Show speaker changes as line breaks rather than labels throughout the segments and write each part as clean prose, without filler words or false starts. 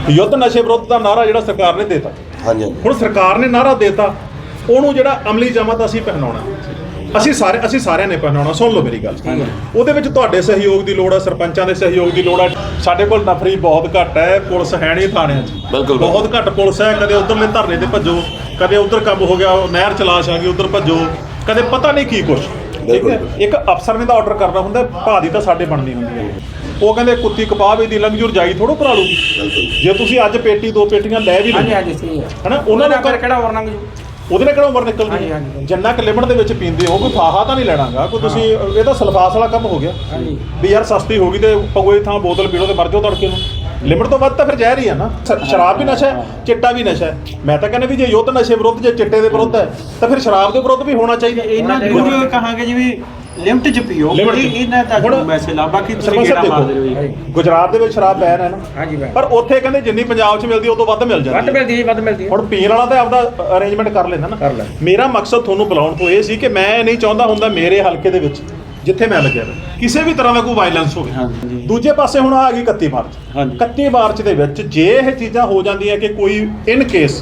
युद्ध नशे विरुद्ध का नारा जो सरकार ने देता, हुण सरकार ने नारा देता, ਉਹਨੂੰ ਜਿਹੜਾ ਅਮਲੀ ਜਾਮਾ ਤਾਂ ਅਸੀਂ ਪਹਿਨਾਉਣਾ, ਅਸੀਂ ਸਾਰਿਆਂ ਨੇ ਪਹਿਨਾਉਣਾ। ਸੁਣ ਲਓ ਮੇਰੀ ਗੱਲ, ਉਹਦੇ ਵਿੱਚ ਤੁਹਾਡੇ ਸਹਿਯੋਗ ਦੀ ਲੋੜ ਹੈ, ਸਰਪੰਚਾਂ ਦੇ ਸਹਿਯੋਗ ਦੀ ਲੋੜ ਹੈ। ਸਾਡੇ ਕੋਲ ਨਫਰੀ ਬਹੁਤ ਘੱਟ ਹੈ, ਪੁਲਿਸ ਹੈ ਨਹੀਂ ਥਾਣਿਆਂ 'ਚ, ਬਹੁਤ ਘੱਟ ਪੁਲਿਸ ਹੈ। ਕਦੇ ਉਧਰਲੇ ਧਰਨੇ ਤੇ ਭੱਜੋ, ਕਦੇ ਉਧਰ ਕੰਮ ਹੋ ਗਿਆ ਨਹਿਰ ਚਲਾਸ਼ ਆ ਗਈ ਉਧਰ ਭੱਜੋ, ਕਦੇ ਪਤਾ ਨਹੀਂ ਕੀ ਕੁਛ। ਠੀਕ ਹੈ, ਇੱਕ ਅਫਸਰ ਨੇ ਤਾਂ ਆਰਡਰ ਕਰਨਾ ਹੁੰਦਾ, ਭਾਅ ਦੀ ਤਾਂ ਸਾਡੇ ਬਣਨੀ ਹੁੰਦੀ ਹੈ। ਉਹ ਕਹਿੰਦੇ ਕੁੱਤੀ ਕਪਾਹ ਦੀ ਲੰਘ ਜਾਈ ਥੋੜੋ ਭਰਾ ਲੂਗੀ। ਜੇ ਤੁਸੀਂ ਅੱਜ ਪੇਟੀ 2 ਪੇਟੀਆਂ ਲੈ ਵੀ ਲਓ ਹਨਾ, ਉਹਨਾਂ ਨੂੰ ਕਿਹੜਾ ਵਰਨੰਗ ਉਹਦੇ ਨਾਲ ਕਿਹੜਾ ਉਮਰ ਨਿਕਲਦੀ। ਜਿੰਨਾ ਕੁ ਲਿਮਟ ਦੇ ਵਿੱਚ ਪੀਂਦੇ ਹੋ, ਕੋਈ ਫਾਹਾ ਤਾਂ ਨਹੀਂ ਲੈਣਾਗਾ ਕੋਈ। ਤੁਸੀਂ ਇਹ ਤਾਂ ਸਲਫਾਸ ਵਾਲਾ ਕੰਮ ਹੋ ਗਿਆ ਵੀ ਯਾਰ ਸਸਤੀ ਹੋ ਗਈ ਤੇ ਪਗੋਏ ਥਾਂ ਬੋਤਲ ਪੀ ਲਓ ਤੇ ਮਰ ਜਾਓ ਤੜਕੇ ਨੂੰ। ਲਿਮਟ ਤੋਂ ਵੱਧ ਤਾਂ ਫਿਰ ਜ਼ਹਿਰ ਹੀ ਆ ਨਾ। ਸ਼ਰਾਬ ਵੀ ਨਸ਼ਾ ਹੈ, ਚਿੱਟਾ ਵੀ ਨਸ਼ਾ ਹੈ। ਮੈਂ ਤਾਂ ਕਹਿੰਦਾ ਵੀ ਜੇ ਯੁੱਧ ਨਸ਼ੇ ਵਿਰੁੱਧ, ਜੇ ਚਿੱਟੇ ਦੇ ਵਿਰੁੱਧ ਹੈ ਤਾਂ ਫਿਰ ਸ਼ਰਾਬ ਦੇ ਵਿਰੁੱਧ ਵੀ ਹੋਣਾ ਚਾਹੀਦਾ। ਇਹਨਾਂ
ਨੂੰ ਕਹਾਂਗੇ ਜਿਵੇਂ ਲਿਮਟ ਚ ਪੀਓ, ਇਹਨਾਂ ਤੱਕ ਮੈਸੇਜ ਆ। ਬਾਕੀ ਤੁਸੀਂ ਕਿਹੜਾ ਮਾਰਦੇ ਰਹੋ।
ਗੁਜਰਾਤ ਦੇ ਵਿੱਚ ਸ਼ਰਾਬ ਬੈਨ ਹੈ ਨਾ, ਪਰ ਉੱਥੇ ਕਹਿੰਦੇ ਜਿੰਨੀ ਪੰਜਾਬ 'ਚ ਮਿਲਦੀ ਉਹ ਤੋਂ ਵੱਧ ਮਿਲ ਜਾਂਦੀ, ਵੱਧ ਮਿਲਦੀ। ਹੁਣ ਪੀਣ ਵਾਲਾ ਤਾਂ ਆਪਦਾ ਅਰੇਂਜਮੈਂਟ ਕਰ ਲੈਂਦਾ ਨਾ। ਮੇਰਾ ਮਕਸਦ ਤੁਹਾਨੂੰ ਬੁਲਾਉਣ ਤੋਂ ਇਹ ਸੀ ਕਿ ਮੈਂ ਨਹੀਂ ਚਾਹੁੰਦਾ ਹੁੰਦਾ ਮੇਰੇ ਹਲਕੇ ਦੇ ਵਿੱਚ ਜਿੱਥੇ ਮੈਂ ਲੱਗਿਆ ਕਿਸੇ ਵੀ ਤਰ੍ਹਾਂ ਦਾ ਕੋਈ ਵਾਇਲੈਂਸ ਹੋਵੇ। ਦੂਜੇ ਪਾਸੇ ਹੁਣ ਆ ਗਈ 31 ਮਾਰਚ। 31 ਮਾਰਚ ਦੇ ਵਿੱਚ ਜੇ ਇਹ ਚੀਜ਼ਾਂ ਹੋ ਜਾਂਦੀਆਂ ਕਿ ਕੋਈ ਇਨ ਕੇਸ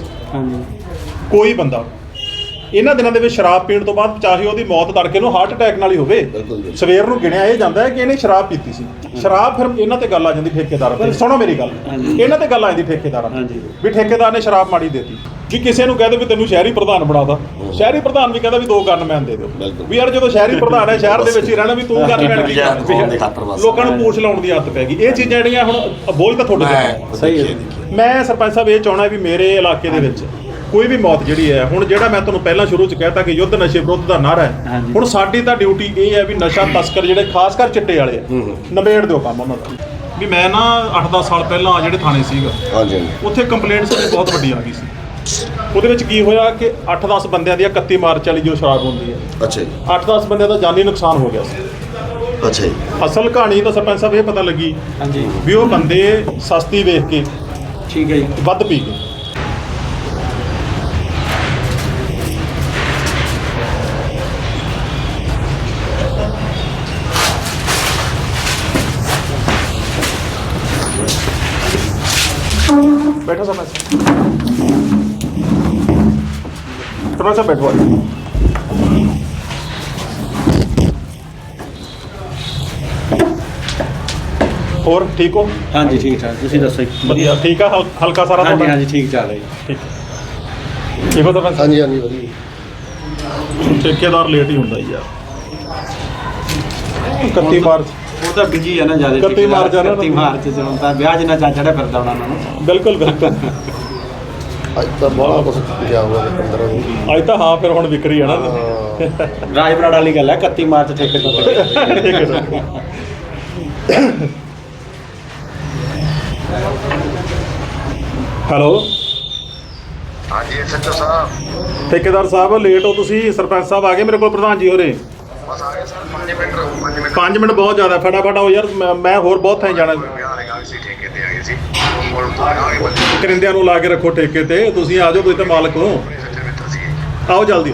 ਕੋਈ ਬੰਦਾ ਇਹਨਾਂ ਦਿਨਾਂ ਦੇ ਵਿੱਚ ਸ਼ਰਾਬ ਪੀਣ ਤੋਂ ਬਾਅਦ, ਚਾਹੇ ਉਹਦੀ ਮੌਤ ਤੜਕੇ ਨੂੰ ਹਾਰਟ ਅਟੈਕ ਨਾਲ ਹੀ ਹੋਵੇ, ਸਵੇਰ ਨੂੰ ਗਿਣਿਆ ਇਹ ਜਾਂਦਾ ਹੈ ਕਿ ਇਹਨੇ ਸ਼ਰਾਬ ਪੀਤੀ ਸੀ। ਸ਼ਰਾਬ ਫਿਰ ਇਹਨਾਂ ਤੇ ਗੱਲ ਆ ਜਾਂਦੀ ਠੇਕੇਦਾਰ ਤੇ। ਸੁਣੋ ਮੇਰੀ ਗੱਲ, ਇਹਨਾਂ ਤੇ ਗੱਲ ਆ ਜਾਂਦੀ ਠੇਕੇਦਾਰਾਂ ਵੀ ਠੇਕੇਦਾਰ ਨੇ ਸ਼ਰਾਬ ਮਾੜੀ ਦੇਤੀ। ਵੀ ਕਿਸੇ ਨੂੰ ਕਹਦੇ ਵੀ ਤੈਨੂੰ ਸ਼ਹਿਰੀ ਪ੍ਰਧਾਨ ਬਣਾਦਾ, ਸ਼ਹਿਰੀ ਪ੍ਰਧਾਨ ਵੀ ਕਹਿੰਦਾ ਵੀ 2 ਗਨਮੈਨ ਦੇ ਦਿਓ। ਵੀ ਯਾਰ ਜਦੋਂ ਸ਼ਹਿਰੀ ਪ੍ਰਧਾਨ ਹੈ, ਸ਼ਹਿਰ ਦੇ ਵਿੱਚ ਹੀ ਰਹਿਣਾ, ਵੀ ਤੂੰ ਗਨਮੈਨ ਕੀ ਕਰਦਾ। ਲੋਕਾਂ ਨੂੰ ਪੂਛ ਲਾਉਣ ਦੀ ਆਦਤ ਪੈ ਗਈ। ਇਹ ਚੀਜ਼ਾਂ ਜਿਹੜੀਆਂ ਹੁਣ ਬੋਝ ਤਾਂ ਤੁਹਾਡੇ ਤੇ ਸਹੀ ਹੈ। ਮੈਂ ਸਰਪੰਚ ਸਾਹਿਬ ਇਹ ਚਾਹੁੰਦਾ ਵੀ ਮੇਰੇ ਇਲਾਕੇ ਦੇ ਵਿੱਚ ਕੋਈ ਵੀ ਮੌਤ ਜਿਹੜੀ ਹੈ, ਹੁਣ ਜਿਹੜਾ ਮੈਂ ਤੁਹਾਨੂੰ ਪਹਿਲਾਂ ਸ਼ੁਰੂ 'ਚ ਕਹਿਤਾ ਕਿ ਯੁੱਧ ਨਸ਼ੇ ਵਿਰੁੱਧ ਦਾ ਨਾਰਾ ਹੈ, ਹੁਣ ਸਾਡੀ ਤਾਂ ਡਿਊਟੀ ਇਹ ਹੈ ਵੀ ਨਸ਼ਾ ਤਸਕਰ ਜਿਹੜੇ ਖਾਸ ਕਰ ਚਿੱਟੇ ਵਾਲੇ ਆ, ਨਿਬੇੜ ਦਿਓ ਕੰਮ ਉਹਨਾਂ ਦਾ। ਵੀ ਮੈਂ ਨਾ 8-10 ਸਾਲ ਪਹਿਲਾਂ ਜਿਹੜੇ ਥਾਣੇ ਸੀਗਾ, ਉੱਥੇ ਕੰਪਲੇਂਟ ਸਾਡੀ ਬਹੁਤ ਵੱਡੀ ਆ ਗਈ ਸੀ। ਉਹਦੇ ਵਿੱਚ ਕੀ ਹੋਇਆ ਕਿ 8-10 ਬੰਦਿਆਂ ਦੀ 31 ਮਾਰਚ ਵਾਲੀ ਜੋ ਸ਼ਰਾਬ ਹੁੰਦੀ ਹੈ, 8-10 ਬੰਦਿਆਂ ਦਾ ਜਾਨੀ ਨੁਕਸਾਨ ਹੋ ਗਿਆ ਸੀ। ਅਸਲ ਕਹਾਣੀ ਤਾਂ ਸਰਪੰਚ ਸਾਹਿਬ ਇਹ ਪਤਾ ਲੱਗੀ ਵੀ ਉਹ ਬੰਦੇ ਸਸਤੀ ਵੇਖ ਕੇ ਠੀਕ ਹੈ ਜੀ ਵੱਧ ਪੀ ਗਏ। बैठो समय से थोड़ा सा बैठो। और ठीक हो?
हाँ जी ठीक ठाक। तुसीं दसो
बढ़िया ठीक है। हल्का सारा
हाँ जी हाँ जी ठीक चल रही
ठीक ठीक हो। तो हाँ जी ठेकेदार लेट ही होंदा यार। 31 मार्च
ਉਹ ਤਾਂ ਬਿਜੀ ਹੈ ਨਾ ਜ਼ਿਆਦਾ।
31 ਮਾਰਚ ਆ ਨਾ,
31 ਮਾਰਚ ਚ ਹੁਣ ਤਾਂ ਵਿਆਹ ਜਿੰਨਾ ਚਾ ਚੜਿਆ ਫਿਰਦਾ ਉਹਨਾਂ ਨੂੰ।
ਬਿਲਕੁਲ ਬਿਲਕੁਲ।
ਅੱਜ ਤਾਂ ਬਹੁਤ ਕੁਝ ਗਿਆ ਹੋਇਆ 15 ਦਿਨ।
ਅੱਜ ਤਾਂ ਹਾਂ ਫਿਰ ਹੁਣ ਵਿਕਰੀ ਹੈ ਨਾ।
ਰਾਜ ਬਰਾੜ ਵਾਲੀ ਗੱਲ ਹੈ 31 ਮਾਰਚ ਠੇਕੇ ਤੋਂ।
ਹੈਲੋ
ਹਾਂਜੀ ਐਸਐਚਓ ਸਾਹਿਬ।
ਠੇਕੇਦਾਰ ਸਾਹਿਬ ਲੇਟ ਹੋ ਤੁਸੀਂ। ਸਰਪੰਚ ਸਾਹਿਬ ਆ ਗਏ ਮੇਰੇ ਕੋਲ, ਪ੍ਰਧਾਨ ਜੀ ਹੋਰੇ।
ਬਸ ਆ ਗਏ ਸਰ, 5 ਮਿੰਟ ਰਹੋ।
5 ਮਿੰਟ ਬਹੁਤ ਜ਼ਿਆਦਾ, ਫਟਾਫਟ ਆਓ ਯਾਰ। ਮੈਂ ਹੋਰ ਬਹੁਤ ਥਾਂ ਜਾਣਾ।
ਠੇਕੇ ਤੇ ਆ ਗਏ ਸੀ,
ਕਰਿੰਦਿਆਂ ਨੂੰ ਲਾ ਕੇ ਰੱਖੋ ਠੇਕੇ ਤੇ। ਤੁਸੀਂ ਆ ਜਾਓ, ਤੁਸੀਂ ਤਾਂ ਮਾਲਕ ਹੋ। ਆਓ ਜਲਦੀ।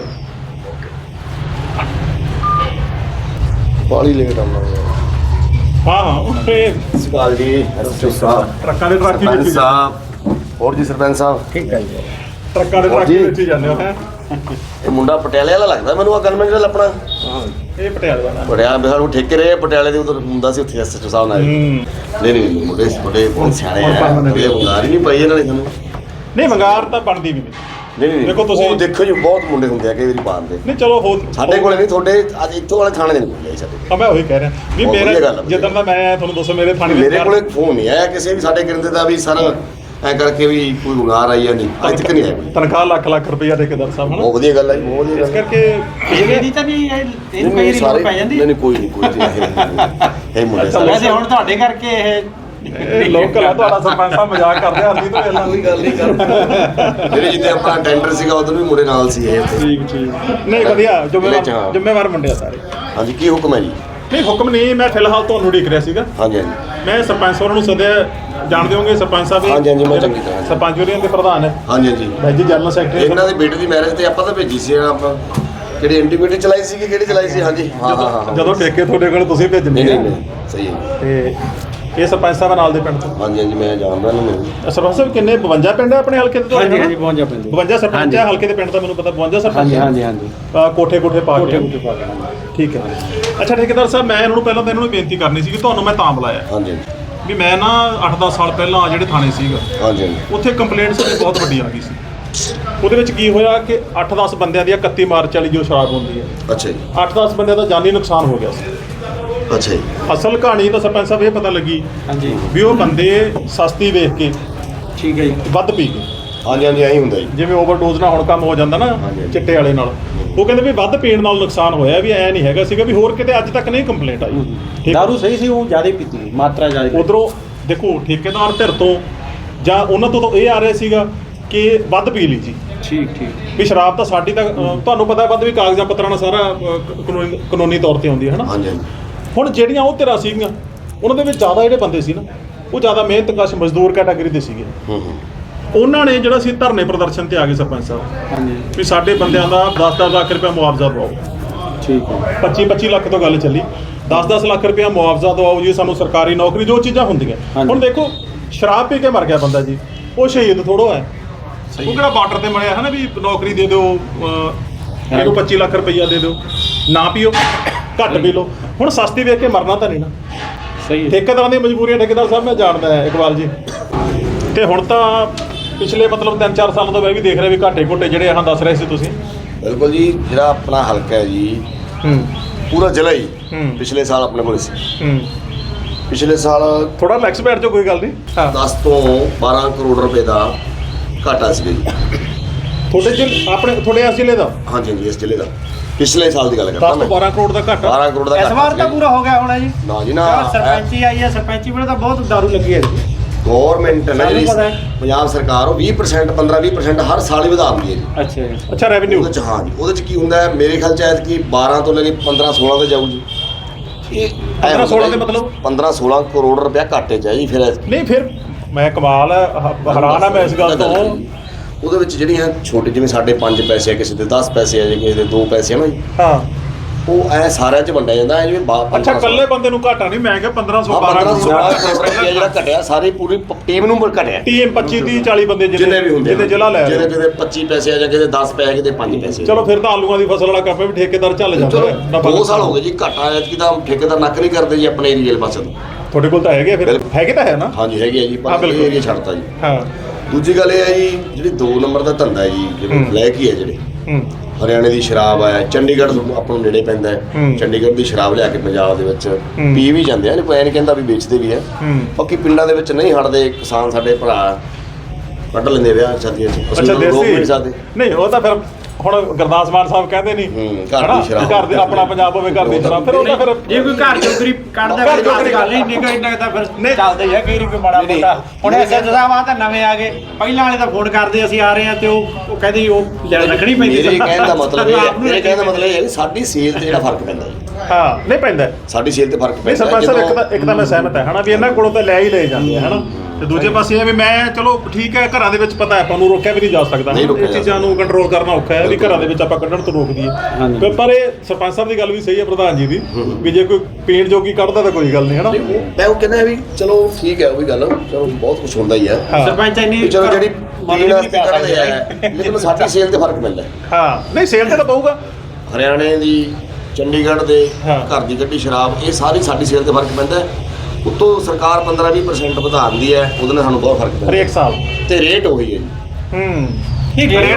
ਬਾਲੀ ਲੇਟ ਆਉਣਾ
ਹਾਂ
ਸਕਾਲ ਜੀ ਐਸਐਚਓ ਸਾਹਿਬ।
ਟਰੱਕਾਂ ਦੇ ਟਰੱਕ ਹੀ ਵਿੱਚ
ਸਾਹਿਬ। ਹੋਰ ਜੀ ਸਰਪੰਚ ਸਾਹਿਬ
ਠੀਕ ਹੈ ਜੀ।
ਟਰੱਕਾਂ ਦੇ ਟਰੱਕ ਹੀ ਵਿੱਚ ਹੀ ਜਾਂਦੇ ਹੋ ਹੈ।
ਇਹ ਮੁੰਡਾ ਪਟਿਆਲੇ ਵਾਲਾ ਲੱਗਦਾ ਮੈਨੂੰ। ਆ ਗਨਮੈਨ ਜਿਹੜਾ ਆਪਣਾ
ਇਹ ਪਟਿਆਲੇ ਦਾ
ਪਟਿਆਲੇ ਬਿਹਾਰ ਨੂੰ ਠੇਕੇ ਰਹੇ ਪਟਿਆਲੇ ਦੇ ਉਧਰ ਹੁੰਦਾ ਸੀ, ਉੱਥੇ ਐਸਐਚਓ ਸਾਹਿਬ ਨਾਲ। ਨਹੀਂ ਮੁੰਡੇ ਬਹੁਤ ਸਿਆਣੇ ਆ। ਇਹ ਬੁਲਾਰ ਹੀ ਨਹੀਂ ਪਈ ਇਹਨਾਂ ਨੇ ਸਾਨੂੰ।
ਨਹੀਂ ਮੰਗਾਰ ਤਾਂ ਬਣਦੀ ਵੀ
ਨਹੀਂ ਦੇਖੋ ਤੁਸੀਂ ਦੇਖੋ ਜੀ ਬਹੁਤ ਮੁੰਡੇ ਹੁੰਦੇ ਆ ਕਈ ਵਾਰੀ ਪਾਉਂਦੇ।
ਨਹੀਂ ਚਲੋ ਹੋ
ਸਾਡੇ ਕੋਲੇ ਨਹੀਂ, ਤੁਹਾਡੇ ਅੱਜ ਇੱਥੋਂ ਵਾਲੇ ਥਾਣੇ ਦੇ ਨਹੀਂ ਬੋਲਿਆ ਸਾਡੇ।
ਮੈਂ ਉਹੀ ਕਹਿ ਰਿਹਾ ਵੀ ਮੇਰਾ ਜਿੱਦਾਂ ਦਾ ਮੈਂ ਤੁਹਾਨੂੰ ਦੱਸੋ ਮੇਰੇ ਥਾਣੇ
ਮੇਰੇ ਕੋਲੇ ਫੋਨ ਨਹੀਂ ਆਇਆ ਕਿਸੇ ਵੀ ਸਾਡੇ ਕਿਰਦੇ ਦਾ ਵੀ ਸਰ ਐ ਕਰਕੇ ਵੀ ਕੋਈ ਗੁਨਾਰ ਆਈ ਜਾਂ ਨਹੀਂ, ਅੱਜ ਤੱਕ ਨਹੀਂ ਆਇਆ।
ਤਨਖਾਹ ਲੱਖ ਰੁਪਈਆ ਠੇਕੇਦਾਰ ਸਾਹਿਬ
ਬਹੁਤ ਵਧੀਆ ਗੱਲ ਹੈ, ਬਹੁਤ ਵਧੀਆ ਗੱਲ।
ਇਸ ਕਰਕੇ
ਇਹਦੀ ਤਾਂ ਨਹੀਂ ਇਹਨੂੰ ਕਈ ਲੋੜ ਪੈ ਜਾਂਦੀ।
ਨਹੀਂ ਕੋਈ ਇਹ ਮੁੰਡੇ
ਸਾਰੇ ਵੈਸੇ ਹੁਣ ਤੁਹਾਡੇ ਕਰਕੇ
ਇਹ ਲੋਕਲ ਆ ਤੁਹਾਡਾ। ਸਰਪੰਚ ਸਾਹਿਬ ਮਜ਼ਾਕ ਕਰਦੇ ਆ, ਨਹੀਂ ਤਾਂ ਪਹਿਲਾਂ
ਕੋਈ ਗੱਲ ਨਹੀਂ ਕਰਦਾ। ਜਿਹੜੇ ਜਿੱਤੇ ਆਪਣਾ ਟੈਂਡਰ ਸੀਗਾ ਉਦੋਂ ਵੀ ਮੁੰਡੇ ਨਾਲ ਸੀ ਇਹ।
ਠੀਕ ਨਹੀਂ ਵਧੀਆ ਜ਼ਿੰਮੇਵਾਰ ਮੁੰਡੇ ਆ ਸਾਰੇ।
ਹਾਂਜੀ ਕੀ ਹੁਕਮ ਹੈ ਜੀ?
ਨਹੀਂ ਹੁਕਮ ਨਹੀਂ, ਮੈਂ ਫਿਲਹਾਲ ਤੁਹਾਨੂੰ ਉਡੀਕ ਰਿਹਾ ਸੀਗਾ।
ਹਾਂਜੀ ਹਾਂਜੀ
ਮੈਂ ਸਰਪੰਚ ਸਾਹਿਬ ਨੂੰ ਸੱਦਿਆ, ਜਾਣਦੇ ਹੋਗੇ ਸਰਪੰਚ ਸਾਹਿਬ।
ਹਾਂਜੀ ਹਾਂਜੀ ਮੈਂ ਚੰਗੀ ਤਰ੍ਹਾਂ
ਸਰਪੰਚ ਯੂਨੀਅਨ ਦੇ ਪ੍ਰਧਾਨ ਹੈ।
ਹਾਂਜੀ ਹਾਂਜੀ
ਭਾਈ ਜੀ ਜਨਰਲ ਸੈਕਟਰੀ।
ਇਹਨਾਂ ਦੇ ਬੇਟੇ ਦੀ ਮੈਰਿਜ ਤੇ ਆਪਾਂ ਤਾਂ ਭੇਜੀ ਸੀ ਆਪਾਂ। ਕਿਹੜੀ ਐਂਟੀਬੀਟੀ ਚਲਾਈ ਸੀ ਕਿ ਕਿਹੜੀ ਚਲਾਈ ਸੀ? ਹਾਂਜੀ ਹਾਂ
ਜਦੋਂ ਠੇਕੇ ਤੁਹਾਡੇ ਕੋਲ ਤੁਸੀਂ ਭੇਜਣੇ।
ਨਹੀਂ ਸਹੀ ਹੈ।
ਤੇ ਇਹ ਸਰਪੰਚ ਸਾਹਿਬ ਨਾਲ ਦੇ ਪਿੰਡ ਤੋਂ?
ਹਾਂਜੀ ਹਾਂਜੀ ਮੈਂ ਜਾਣਦਾ ਇਹਨੂੰ ਮੈਨੂੰ।
ਸਰਪੰਚ ਸਾਹਿਬ ਕਿੰਨੇ 52 ਪਿੰਡ ਹੈ ਆਪਣੇ ਹਲਕੇ ਦੇ?
ਹਾਂਜੀ ਹਾਂਜੀ 52 ਪਿੰਡ
52 ਸਰਪੰਚ ਹੈ ਹਲਕੇ ਦੇ ਪਿੰਡ ਦਾ ਮੈਨੂੰ ਪਤਾ 52 ਸਰਪੰਚ।
ਹਾਂਜੀ ਹਾਂਜੀ ਹਾਂਜੀ
ਕੋਠੇ ਪਾ ਕੇ
ਪਾ ਕੇ
ਠੀਕ ਹੈ। ਅੱਛਾ ਠੇਕੇਦਾਰ ਸਾਹਿਬ ਮੈਂ ਇਹਨਾਂ ਨੂੰ ਪਹਿਲਾਂ ਤਾਂ ਇਹਨਾਂ ਨੂੰ ਬੇਨਤੀ ਕਰਨੀ ਸੀ ਕਿ ਤੁਹਾਨੂੰ ਮੈਂ ਤਾਂ ਬੁਲਾਇਆ
ਹਾਂਜੀ
ਵੀ ਮੈਂ ਨਾ 8-10 ਸਾਲ ਪਹਿਲਾਂ ਜਿਹੜੇ ਥਾਣੇ ਸੀਗਾ
ਹਾਂਜੀ ਹਾਂਜੀ
ਉੱਥੇ ਕੰਪਲੇਂਟ ਸਾਡੀ ਬਹੁਤ ਵੱਡੀ ਆ ਗਈ ਸੀ। ਉਹਦੇ ਵਿੱਚ ਕੀ ਹੋਇਆ ਕਿ 8-10 ਬੰਦਿਆਂ ਦੀ 31 ਮਾਰਚ ਵਾਲੀ ਜੋ ਸ਼ਰਾਬ ਹੁੰਦੀ ਹੈ,
ਅੱਛਾ ਜੀ
8-10 ਬੰਦਿਆਂ ਦਾ ਜਾਨੀ ਨੁਕਸਾਨ ਹੋ ਗਿਆ ਸੀ।
ਅੱਛਾ ਜੀ
ਅਸਲ ਕਹਾਣੀ ਤਾਂ ਸਰਪੰਚ ਸਾਹਿਬ ਇਹ ਪਤਾ ਲੱਗੀ
ਹਾਂਜੀ
ਵੀ ਉਹ ਬੰਦੇ ਸਸਤੀ ਵੇਖ ਕੇ
ਠੀਕ ਹੈ ਜੀ
ਵੱਧ ਪੀ ਗਏ।
ਹਾਂਜੀ ਹਾਂਜੀ ਐਂ ਹੁੰਦਾ ਜੀ।
ਜਿਵੇਂ ਓਵਰਡੋਜ਼ ਨਾਲ ਹੁਣ ਕੰਮ ਹੋ ਜਾਂਦਾ ਨਾ ਚਿੱਟੇ ਵਾਲੇ ਨਾਲ, ਉਹ ਕਹਿੰਦੇ ਵੀ ਵੱਧ ਪੀਣ ਨਾਲ ਨੁਕਸਾਨ ਹੋਇਆ, ਵੀ ਐ ਨਹੀਂ ਹੈਗਾ ਸੀਗਾ ਵੀ ਹੋਰ ਕਿਤੇ ਅੱਜ ਤੱਕ ਨਹੀਂ ਕੰਪਲੇਂਟ ਆਈ। ਠੀਕ
ਦਾਰੂ ਸਹੀ ਸੀ, ਉਹ ਜ਼ਿਆਦਾ ਪੀਤੀ ਮਾਤਰਾ ਜ਼ਿਆਦਾ।
ਉਧਰੋਂ ਦੇਖੋ ਠੇਕੇਦਾਰ ਧਿਰ ਤੋਂ ਜਾਂ ਉਹਨਾਂ ਤੋਂ ਤਾਂ ਇਹ ਆ ਰਿਹਾ ਸੀਗਾ ਕਿ ਵੱਧ ਪੀ ਲਈ ਜੀ।
ਠੀਕ ਠੀਕ
ਵੀ ਸ਼ਰਾਬ ਤਾਂ ਸਾਡੀ ਤਾਂ ਤੁਹਾਨੂੰ ਪਤਾ ਵੱਧ ਵੀ ਕਾਗਜ਼ਾਂ ਪੱਤਰਾਂ ਨਾਲ ਸਾਰਾ ਕਾਨੂੰਨੀ ਤੌਰ ਤੇ ਆਉਂਦੀ ਹੈ ਨਾ।
ਹਾਂਜੀ ਹਾਂਜੀ
ਹੁਣ ਜਿਹੜੀਆਂ ਉਹ ਧਿਰਾਂ ਸੀਗੀਆਂ ਉਹਨਾਂ ਦੇ ਵਿੱਚ ਜ਼ਿਆਦਾ ਜਿਹੜੇ ਬੰਦੇ ਸੀ ਨਾ ਉਹ ਜ਼ਿਆਦਾ ਮਿਹਨਤਕਸ਼ ਮਜ਼ਦੂਰ ਕੈਟਾਗਰੀ ਦੇ ਸੀਗੇ। ਉਹਨਾਂ ਨੇ ਜਿਹੜਾ ਸੀ ਧਰਨੇ ਪ੍ਰਦਰਸ਼ਨ ਤੇ ਆ ਗਏ ਸਰਪੰਚ ਸਾਹਿਬ
ਹਾਂਜੀ
ਵੀ ਸਾਡੇ ਬੰਦਿਆਂ ਦਾ 10-10 ਲੱਖ ਰੁਪਏ ਮੁਆਵਜ਼ਾ ਦਿਵਾਓ।
ਠੀਕ ਹੈ
25-25 ਲੱਖ ਤੋਂ ਗੱਲ ਚੱਲੀ, 10-10 ਲੱਖ ਰੁਪਏ ਮੁਆਵਜ਼ਾ ਦਿਵਾਓ ਜੀ ਸਾਨੂੰ, ਸਰਕਾਰੀ ਨੌਕਰੀ, ਜੋ ਚੀਜ਼ਾਂ ਹੁੰਦੀਆਂ। ਹੁਣ ਦੇਖੋ ਸ਼ਰਾਬ ਪੀ ਕੇ ਮਰ ਗਿਆ ਬੰਦਾ ਜੀ, ਉਹ ਸ਼ਹੀਦ ਥੋੜੋ ਹੈ, ਉਹ ਕਿਹੜਾ ਬਾਰਡਰ ਤੇ ਮਰਿਆ ਹੈ ਨਾ ਵੀ ਨੌਕਰੀ ਦੇ ਦਿਓ, ਇਹਨੂੰ 25 ਲੱਖ ਰੁਪਈਆ ਦੇ ਦਿਓ, ਨਾ ਪੀਓ, ਘੱਟ ਪੀ ਲਓ। ਹੁਣ ਸਸਤੀ ਵੇਖ ਕੇ ਮਰਨਾ ਤਾਂ ਨਹੀਂ ਨਾ।
ਸਹੀ ਹੈ।
ਠੇਕੇਦਾਰਾਂ ਦੀਆਂ ਮਜਬੂਰੀਆਂ ਠੇਕੇਦਾਰ ਸਾਹਿਬ ਮੈਂ ਜਾਣਦਾ ਹੈ ਇਕਬਾਲ ਜੀ, ਤੇ ਹੁਣ ਤਾਂ ਪਿਛਲੇ ਮਤਲਬ 3-4 ਸਾਲਾਂ ਤੋਂ ਮੈਂ ਵੀ ਦੇਖ ਰਿਹਾ ਵੀ ਘਾਟੇ ਘੁੱਟੇ ਜਿਹੜੇ ਆਹ ਦੱਸ ਰਹੇ ਸੀ ਤੁਸੀਂ।
ਬਿਲਕੁਲ ਜੀ, ਜਿਹੜਾ ਆਪਣਾ ਹਲਕਾ ਹੈ ਜੀ ਪੂਰਾ ਜ਼ਿਲ੍ਹਾ ਹੀ ਪਿਛਲੇ ਸਾਲ ਆਪਣੇ ਕੋਲ ਸੀ। ਪਿਛਲੇ ਸਾਲ
ਥੋੜਾ ਰਿਲੈਕਸ ਬੈਠ ਜਾਓ, ਕੋਈ ਗੱਲ ਨਹੀਂ।
10 ਤੋਂ 12 ਕਰੋੜ ਰੁਪਏ ਦਾ ਘਾਟਾ ਸੀ ਜੀ
ਤੁਹਾਡੇ ਇਸ ਜ਼ਿਲ੍ਹੇ ਦਾ?
ਹਾਂਜੀ ਹਾਂਜੀ ਇਸ ਜ਼ਿਲ੍ਹੇ ਦਾ ਪਿਛਲੇ ਸਾਲ ਦੀ ਗੱਲ ਕਰਦਾ
10 ਤੋਂ 12 ਕਰੋੜ ਦਾ ਘਾਟਾ।
12 ਕਰੋੜ ਦਾ
ਇਸ ਵਾਰ ਤਾਂ ਪੂਰਾ ਹੋ ਗਿਆ ਹੋਣਾ ਜੀ।
ਨਾ ਜੀ ਨਾ,
ਸਰਪੰਚੀ ਆਈ ਹੈ, ਸਰਪੰਚੀ ਵੇਲੇ ਤਾਂ ਬਹੁਤ ਦਾਰੂ ਲੱਗੀ ਹੈ।
ਗਵਰਨਮੈਂਟ ਹੈ ਨਾ ਜਿਹੜੀ ਪੰਜਾਬ ਸਰਕਾਰ, ਉਹ 20% 15-20% ਹਰ ਸਾਲ ਹੀ ਵਧਾ ਦਿੰਦੀ ਹੈ ਜੀ।
ਅੱਛਾ ਜੀ
ਅੱਛਾ ਰੈਵਨਿਊ
ਉਹਦੇ ਚ ਹਾਂ ਜੀ, ਉਹਦੇ ਚ ਕੀ ਹੁੰਦਾ ਹੈ ਮੇਰੇ ਖਿਆਲ ਚ ਐਤ ਕੀ 12 ਤੋਂ ਲੈ ਕੇ 15-16 ਤੇ ਜਾਊ ਜੀ। ਇਹ
15-16 ਦੇ ਮਤਲਬ
15-16 ਕਰੋੜ ਰੁਪਇਆ ਘਾਟੇ ਚ ਹੈ ਜੀ। ਫਿਰ
ਨਹੀਂ, ਫਿਰ ਮੈਂ ਕਮਾਲ ਹੈ, ਹੈਰਾਨ ਆ ਮੈਂ ਇਸ ਗੱਲ ਤੋਂ।
ਉਹਦੇ ਵਿੱਚ ਜਿਹੜੀਆਂ ਛੋਟੇ ਜਿਵੇਂ ਸਾਡੇ 5 ਪੈਸੇ ਆ, ਕਿਸੇ ਦੇ 10 ਪੈਸੇ ਆ, ਕਿਸੇ ਦੇ 2 ਪੈਸੇ ਆ ਨਾ ਜੀ,
ਹਾਂ
ਉਹ ਐ ਸਾਰਿਆਂ ਚ ਵੰਡਿਆ ਜਾਂਦਾ ਹੈ ਜਿਵੇਂ
ਅੱਛਾ ਇਕੱਲੇ ਬੰਦੇ ਨੂੰ ਘਾਟਾ ਨਹੀਂ, ਮੈਂ ਕਿਹਾ 1500
12 ਜਿਹੜਾ ਘਟਿਆ ਸਾਰੀ ਪੂਰੀ ਟੀਮ ਨੂੰ ਘਟਿਆ।
ਟੀਮ 25-30-40 ਬੰਦੇ
ਜਿੰਨੇ ਵੀ ਹੁੰਦੇ
ਜਿਹਦੇ ਜ਼ਿਲ੍ਹਾ ਲੈ
ਜਿਹਦੇ ਕਿਤੇ 25 ਪੈਸੇ ਆ ਜਾਂ ਕਿਤੇ 10 ਪੈਸੇ, ਕਿਤੇ 5 ਪੈਸੇ।
ਚਲੋ ਫਿਰ ਤਾਂ ਆਲੂਆਂ ਦੀ ਫਸਲ ਵਾਲਾ ਕੰਮ ਵੀ ਠੇਕੇਦਾਰ ਚੱਲ ਜਾਂਦਾ।
2 ਸਾਲ ਹੋ ਗਏ ਜੀ ਘਾਟਾ ਐਤਕੀ ਤਾਂ ਠੇਕੇਦਾਰ ਨੱਕ ਨਹੀਂ ਕਰਦੇ ਜੀ ਆਪਣੇ ਏਰੀਏ ਪਾਸੇ ਤੋਂ।
ਤੁਹਾਡੇ ਕੋਲ ਤਾਂ ਹੈਗੇ, ਫਿਰ ਹੈਗੇ ਤਾਂ ਹੈ ਨਾ?
ਹਾਂਜੀ ਹੈਗੇ ਆ ਜੀ, ਪਰ ਇਹ ਏਰੀਆ ਛੱਡਤਾ ਜੀ।
ਹਾਂ
ਦੂਜੀ ਗੱਲ ਇਹ ਹੈ ਜੀ, ਜਿਹੜੀ 2 ਨੰਬਰ ਦਾ ਧੰਦਾ ਹੈ ਜੀ, ਜਿਹੜੇ ਬਲੈਕ ਹੀ ਹੈ ਜਿਹੜੇ ਹਰਿਆਣੇ ਦੀ ਸ਼ਰਾਬ ਹੈ, ਚੰਡੀਗੜ੍ਹ ਆਪਾਂ ਨੂੰ ਨੇੜੇ ਪੈਂਦਾ ਹੈ, ਚੰਡੀਗੜ੍ਹ ਦੀ ਸ਼ਰਾਬ ਲਿਆ ਕੇ ਪੰਜਾਬ ਦੇ ਵਿੱਚ ਪੀ ਵੀ ਜਾਂਦੇ ਆ, ਕੋਈ ਨਹੀਂ ਕਹਿੰਦਾ ਵੀ ਵੇਚਦੇ ਵੀ ਹੈ। ਬਾਕੀ ਪਿੰਡਾਂ ਦੇ ਵਿੱਚ ਨਹੀਂ ਹਟਦੇ ਕਿਸਾਨ ਸਾਡੇ ਭਰਾ, ਕੱਢ ਲੈਂਦੇ ਵਿਆਹ ਸ਼ਾਦੀਆਂ 'ਚ।
ਅੱਛਾ ਦੇਸੀ ਨਹੀਂ, ਉਹ ਤਾਂ ਫਿਰ ਹੁਣ ਗੁਰਦਾਸ ਮਾਨ ਸਾਹਿਬ ਕਹਿੰਦੇ ਨਹੀਂ
ਘਰ ਦੀ ਸ਼ਰਾਬ,
ਘਰ ਦੇ ਆਪਣਾ ਪੰਜਾਬ ਹੋਵੇ ਘਰ ਦੀ ਸ਼ਰਾਬ, ਫਿਰ ਉਹਦਾ ਫਿਰ
ਜੇ ਕੋਈ ਘਰ ਚੋਕਰੀ ਕੱਢਦਾ ਫਿਰ ਗੱਲ ਨਹੀਂ ਨਿਕਲ ਇੰਨਾ ਤਾਂ ਫਿਰ ਚੱਲਦਾ ਹੀ ਹੈ। ਕਈ ਕੋਈ ਮਾੜਾ ਮੋਟਾ ਹੁਣ ਐਸੇ ਸਾਹਿਬ ਤਾਂ ਨਵੇਂ ਆ ਗਏ, ਪਹਿਲਾਂ ਵਾਲੇ ਤਾਂ ਫੋਨ ਕਰਦੇ ਅਸੀਂ ਆ ਰਹੇ ਹਾਂ ਤੇ ਉਹ ਕਹਿੰਦੇ ਉਹ ਰੱਖਣੀ ਪੈਂਦੀ।
ਮੇਰੇ ਕਹਿਣ ਦਾ ਮਤਲਬ ਇਹ ਹੈ, ਮੇਰੇ ਕਹਿਣ ਦਾ ਮਤਲਬ ਇਹ ਹੈ ਕਿ ਸਾਡੀ ਸੇਲ ਤੇ ਜਿਹੜਾ ਫਰਕ ਪੈਂਦਾ ਜੀ।
ਹਾਂ ਨਹੀਂ ਪੈਂਦਾ,
ਸਾਡੀ ਸੇਲ ਤੇ ਫਰਕ ਪੈਂਦਾ।
ਸਰਪੰਚ ਸਾਹਿਬ ਇੱਕ ਤਾਂ ਮੈਂ ਸਹਿਮਤ ਹੈ ਹਨਾ ਵੀ ਇਹਨਾਂ ਕੋਲੋਂ ਤਾਂ ਲੈ ਹੀ ਲਏ ਜਾਂਦੇ ਆ ਹਨਾ, ਤੇ ਦੂਜੇ ਪਾਸੇ ਇਹ ਵੀ ਮੈਂ ਚਲੋ ਠੀਕ ਹੈ ਘਰਾਂ ਦੇ ਵਿੱਚ ਪਤਾ ਆਪਾਂ ਨੂੰ ਰੋਕਿਆ ਵੀ ਨਹੀਂ ਜਾ ਸਕਦਾ, ਇਹ ਚੀਜ਼ਾਂ ਨੂੰ ਕੰਟਰੋਲ ਕਰਨਾ ਔਖਾ ਹੈ ਵੀ ਘਰਾਂ ਦੇ ਵਿੱਚ ਆਪਾਂ ਕੱਢਣ ਤੋਂ ਰੋਕ ਦਈਏ। ਪਰ ਇਹ ਸਰਪੰਚ ਸਾਹਿਬ ਦੀ ਗੱਲ ਵੀ ਸਹੀ ਹੈ ਪ੍ਰਧਾਨ ਜੀ ਦੀ, ਵੀ ਜੇ ਕੋਈ ਪੀਣ ਜੋਗੀ ਕੱਢਦਾ ਤਾਂ ਕੋਈ ਗੱਲ ਨਹੀਂ ਹਨਾ।
ਮੈਂ ਉਹ ਕਹਿੰਦਾ ਵੀ ਚਲੋ ਠੀਕ ਹੈ, ਉਹ ਵੀ ਗੱਲ ਚਲੋ ਬਹੁਤ ਕੁਝ ਹੁੰਦਾ ਹੀ ਹੈ।
ਸਰਪੰਚ ਇੰਨੀ
ਚਲੋ ਜਿਹੜੀ ਪੀਣ ਵਾਸਤੇ ਕੱਢਦੇ ਆ, ਲੇਕਿਨ ਸਾਡੀ ਸੇਲ ਤੇ ਫਰਕ ਪੈਂਦਾ।
ਹਾਂ ਨਹੀਂ ਸੇਲ ਤੇ ਤਾਂ ਪਊਗਾ।
ਹਰਿਆਣੇ ਦੀ, ਚੰਡੀਗੜ੍ਹ ਦੇ ਘਰ ਦੀ ਕੱਢੀ ਸ਼ਰਾਬ, ਇਹ ਸਾਰੀ ਸਾਡੀ ਸੇਲ ਤੇ ਫਰਕ ਪੈਂਦਾ। ਉੱਤੋਂ ਸਰਕਾਰ 15-20% ਵਧਾ ਦਿੰਦੀ ਹੈ, ਉਹਦੇ ਨਾਲ ਸਾਨੂੰ ਬਹੁਤ ਫਰਕ ਪੈਂਦਾ
ਹਰੇਕ ਸਾਲ,
ਤੇ ਰੇਟ ਉਹੀ ਹੈ ਜੀ।
ਠੀਕ ਹੈ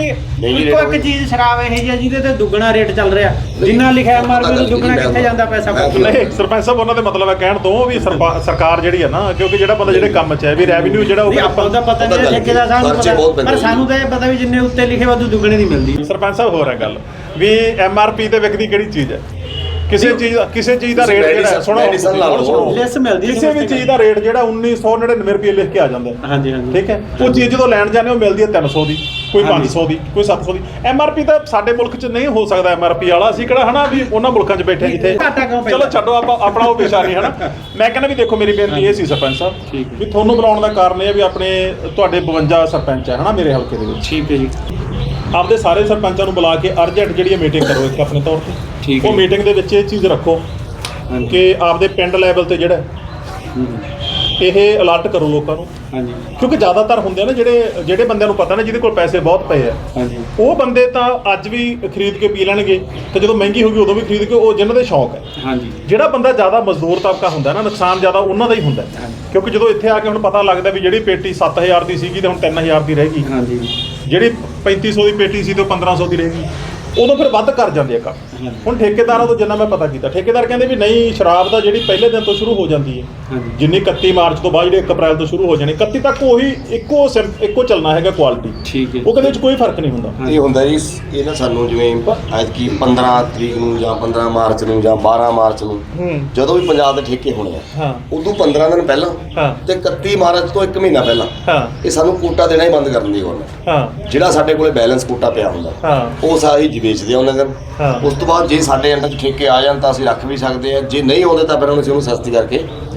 ਜੀ। ਇੱਕੋ ਇੱਕ ਚੀਜ਼ ਸ਼ਰਾਬ ਇਹ ਜੀ ਜਿਹਦੇ ਤੇ ਦੁੱਗਣਾ ਰੇਟ ਚੱਲ ਰਿਹਾ, ਜਿੰਨਾ ਲਿਖਿਆ ਐਮਆਰਪੀ ਤੋਂ ਦੁੱਗਣਾ ਕਿੱਥੇ ਜਾਂਦਾ ਪੈਸਾ?
ਨਹੀਂ ਸਰਪੰਚ ਸਾਹਿਬ ਉਹਨਾਂ ਦੇ ਮਤਲਬ ਹੈ ਕਹਿਣ ਤੋਂ ਵੀ ਸਰਕਾਰ ਜਿਹੜੀ ਹੈ ਨਾ, ਕਿਉਂਕਿ ਜਿਹੜਾ ਬੰਦਾ ਜਿਹੜੇ ਕੰਮ 'ਚ ਹੈ ਵੀ ਰੈਵਨਿਊ ਜਿਹੜਾ ਉਹ
ਆਪਾਂ ਨੂੰ ਤਾਂ ਪਤਾ ਨਹੀਂ ਠੇਕੇਦਾਰ ਸਾਨੂੰ ਪਤਾ, ਪਰ ਸਾਨੂੰ ਤਾਂ ਇਹ ਪਤਾ ਵੀ ਜਿੰਨੇ ਉੱਤੇ ਲਿਖੇ ਵਾਧੂ ਦੁੱਗਣੇ ਦੀ ਮਿਲਦੀ।
ਸਰਪੰਚ ਸਾਹਿਬ ਹੋਰ ਹੈ ਗੱਲ ਵੀ ਐਮਆਰਪੀ ਤੇ ਵਿਕਦੀ ਕਿਹੜੀ ਚੀਜ਼ ਹੈ? ਕਿਸੇ ਚੀਜ਼ ਦਾ ਰੇਟ ਜਿਹੜਾ ਸੁਣੋ
ਲੈਸ ਮਿਲਦੀ,
ਕਿਸੇ ਵੀ ਚੀਜ਼ ਦਾ ਰੇਟ ਜਿਹੜਾ 1999 ਰੁਪਏ ਲਿਖ ਕੇ ਆ ਜਾਂਦਾ।
ਹਾਂਜੀ ਹਾਂਜੀ
ਠੀਕ ਹੈ, ਉਹ ਚੀਜ਼ ਜਦੋਂ ਲੈਣ ਜਾਂਦੇ ਉਹ ਮਿਲਦੀ ਹੈ 300 ਦੀ, ਕੋਈ 500 ਦੀ, ਕੋਈ 700 ਦੀ। ਐਮਆਰਪੀ ਤਾਂ ਸਾਡੇ ਮੁਲਕ 'ਚ ਨਹੀਂ ਹੋ ਸਕਦਾ ਐਮਆਰਪੀ ਵਾਲਾ, ਅਸੀਂ ਕਿਹੜਾ ਹਨਾ ਵੀ ਉਹਨਾਂ ਮੁਲਕਾਂ 'ਚ ਬੈਠੇ ਜਿੱਥੇ। ਚਲੋ ਛੱਡੋ ਆਪਾਂ ਆਪਣਾ ਉਹ ਪੇਸ਼ਾ ਨਹੀਂ ਹਨਾ। ਮੈਂ ਕਹਿੰਦਾ ਵੀ ਦੇਖੋ ਮੇਰੀ ਬੇਨਤੀ ਇਹ ਸੀ ਸਰਪੰਚ ਸਾਹਿਬ ਵੀ ਤੁਹਾਨੂੰ ਬੁਲਾਉਣ ਦਾ ਕਾਰਨ ਇਹ ਹੈ ਵੀ ਆਪਣੇ ਤੁਹਾਡੇ 52 ਸਰਪੰਚ ਹੈ ਹਨਾ ਮੇਰੇ ਹਲਕੇ ਦੇ ਵਿੱਚ।
ਠੀਕ ਹੈ ਜੀ।
ਆਪਦੇ ਸਾਰੇ ਸਰਪੰਚਾਂ ਨੂੰ ਬੁਲਾ ਕੇ ਅਰਜੈਂਟ ਜਿਹੜੀ ਮੀਟਿੰਗ ਕਰੋ ਇੱਕ ਆਪਣੇ ਤੌਰ ਤੇ। ਉਹ ਮੀਟਿੰਗ ਦੇ ਵਿੱਚ ਇਹ ਚੀਜ਼ ਰੱਖੋ ਕਿ ਆਪਦੇ ਪਿੰਡ ਲੈਵਲ ਤੇ ਜਿਹੜਾ ਇਹ ਅਲਰਟ ਕਰੋ ਲੋਕਾਂ ਨੂੰ।
ਹਾਂਜੀ।
ਕਿਉਂਕਿ ਜ਼ਿਆਦਾਤਰ ਹੁੰਦੇ ਆ ਨਾ ਜਿਹੜੇ ਬੰਦਿਆਂ ਨੂੰ ਪਤਾ ਨਾ ਜਿਹਦੇ ਕੋਲ ਪੈਸੇ ਬਹੁਤ ਪਏ ਆ,
ਹਾਂਜੀ,
ਉਹ ਬੰਦੇ ਤਾਂ ਅੱਜ ਵੀ ਖਰੀਦ ਕੇ ਪੀ ਲੈਣਗੇ ਤੇ ਜਦੋਂ ਮਹਿੰਗੀ ਹੋਊਗੀ ਉਦੋਂ ਵੀ ਖਰੀਦ ਕੇ, ਉਹ ਜਿਨ੍ਹਾਂ ਦੇ ਸ਼ੌਕ ਹੈ।
ਹਾਂਜੀ।
ਜਿਹੜਾ ਬੰਦਾ ਜ਼ਿਆਦਾ ਮਜ਼ਦੂਰ ਤਬਕਾ ਹੁੰਦਾ ਨਾ, ਨੁਕਸਾਨ ਜ਼ਿਆਦਾ ਉਹਨਾਂ ਦਾ ਹੀ ਹੁੰਦਾ। ਕਿਉਂਕਿ ਜਦੋਂ ਇੱਥੇ ਆ ਕੇ ਹੁਣ ਪਤਾ ਲੱਗਦਾ ਵੀ ਜਿਹੜੀ ਪੇਟੀ 7000 ਦੀ ਸੀਗੀ ਤੇ ਹੁਣ 3000 ਦੀ ਰਹਿ ਗਈ,
ਹਾਂਜੀ,
ਜਿਹੜੀ 3500 ਦੀ ਪੇਟੀ ਸੀ ਤੇ ਉਹ 1500 ਦੀ ਰਹਿ ਗਈ, ਉਦੋਂ ਫਿਰ ਵੱਧ ਕਰ ਜਾਂਦੇ ਆ ਕੰਮ। ਹੁਣ ਠੇਕੇਦਾਰਾਂ ਤੋਂ ਜਿੰਨਾ ਮੈਂ ਪਤਾ ਕੀਤਾ, ਠੇਕੇਦਾਰ ਕਹਿੰਦੇ ਵੀ ਨਹੀਂ, ਸ਼ਰਾਬ ਦਾ ਜਿਹੜੀ ਪਹਿਲੇ ਦਿਨ ਤੋਂ ਸ਼ੁਰੂ ਹੋ ਜਾਂਦੀ ਹੈ, ਜਿੰਨੀ 31 ਮਾਰਚ ਤੋਂ ਬਾਅਦ ਜਿਹੜੀ 1 ਅਪ੍ਰੈਲ ਤੋਂ ਸ਼ੁਰੂ ਹੋ ਜਾਣੀ, 31 ਤੱਕ ਉਹੀ ਇੱਕੋ ਚੱਲਣਾ ਹੈਗਾ ਕੁਆਲਿਟੀ।
ਠੀਕ ਹੈ।
ਉਹ ਕਹਿੰਦੇ ਵਿੱਚ ਕੋਈ ਫਰਕ ਨਹੀਂ ਹੁੰਦਾ।
ਇਹ ਹੁੰਦਾ ਜੀ, ਇਹ ਨਾ ਸਾਨੂੰ ਜਿਵੇਂ ਐਤਕੀ 15 ਤਰੀਕ ਨੂੰ ਜਾਂ 15 ਮਾਰਚ ਨੂੰ ਜਾਂ 12 ਮਾਰਚ ਨੂੰ ਜਦੋਂ ਵੀ ਪੰਜਾਬ ਦੇ ਠੇਕੇ ਹੋਣੇ ਆ, ਉਦੋਂ 15 ਦਿਨ ਪਹਿਲਾਂ ਤੇ 31 ਮਾਰਚ ਤੋਂ 1 ਮਹੀਨਾ ਪਹਿਲਾਂ ਇਹ ਸਾਨੂੰ ਕੋਟਾ ਦੇਣਾ ਹੀ ਬੰਦ ਕਰ ਦਿੰਦੀ ਗਵਰਨਮੈਂਟ। ਜਿਹੜਾ ਸਾਡੇ ਕੋਲੇ ਬੈਲੈਂਸ ਕੋਟਾ ਪਿਆ ਹੁੰਦਾ ਉਹ ਸਾਰੀ ਵੇਚਦੇ ਆ ਉਹਨਾਂ ਦਿਨ। ਉਸ ਤੋਂ ਬਾਅਦ ਜੇ ਸਾਡੇ ਅੰਡਰ ਠੇਕੇ ਆ ਜਾਣ ਤਾਂ ਅਸੀਂ ਰੱਖ ਵੀ ਸਕਦੇ ਆ, ਜੇ ਨਹੀਂ ਆਉਂਦੇ ਤਾਂ ਫਿਰ ਉਹਨੂੰ ਸਸਤੀ ਕਰਕੇ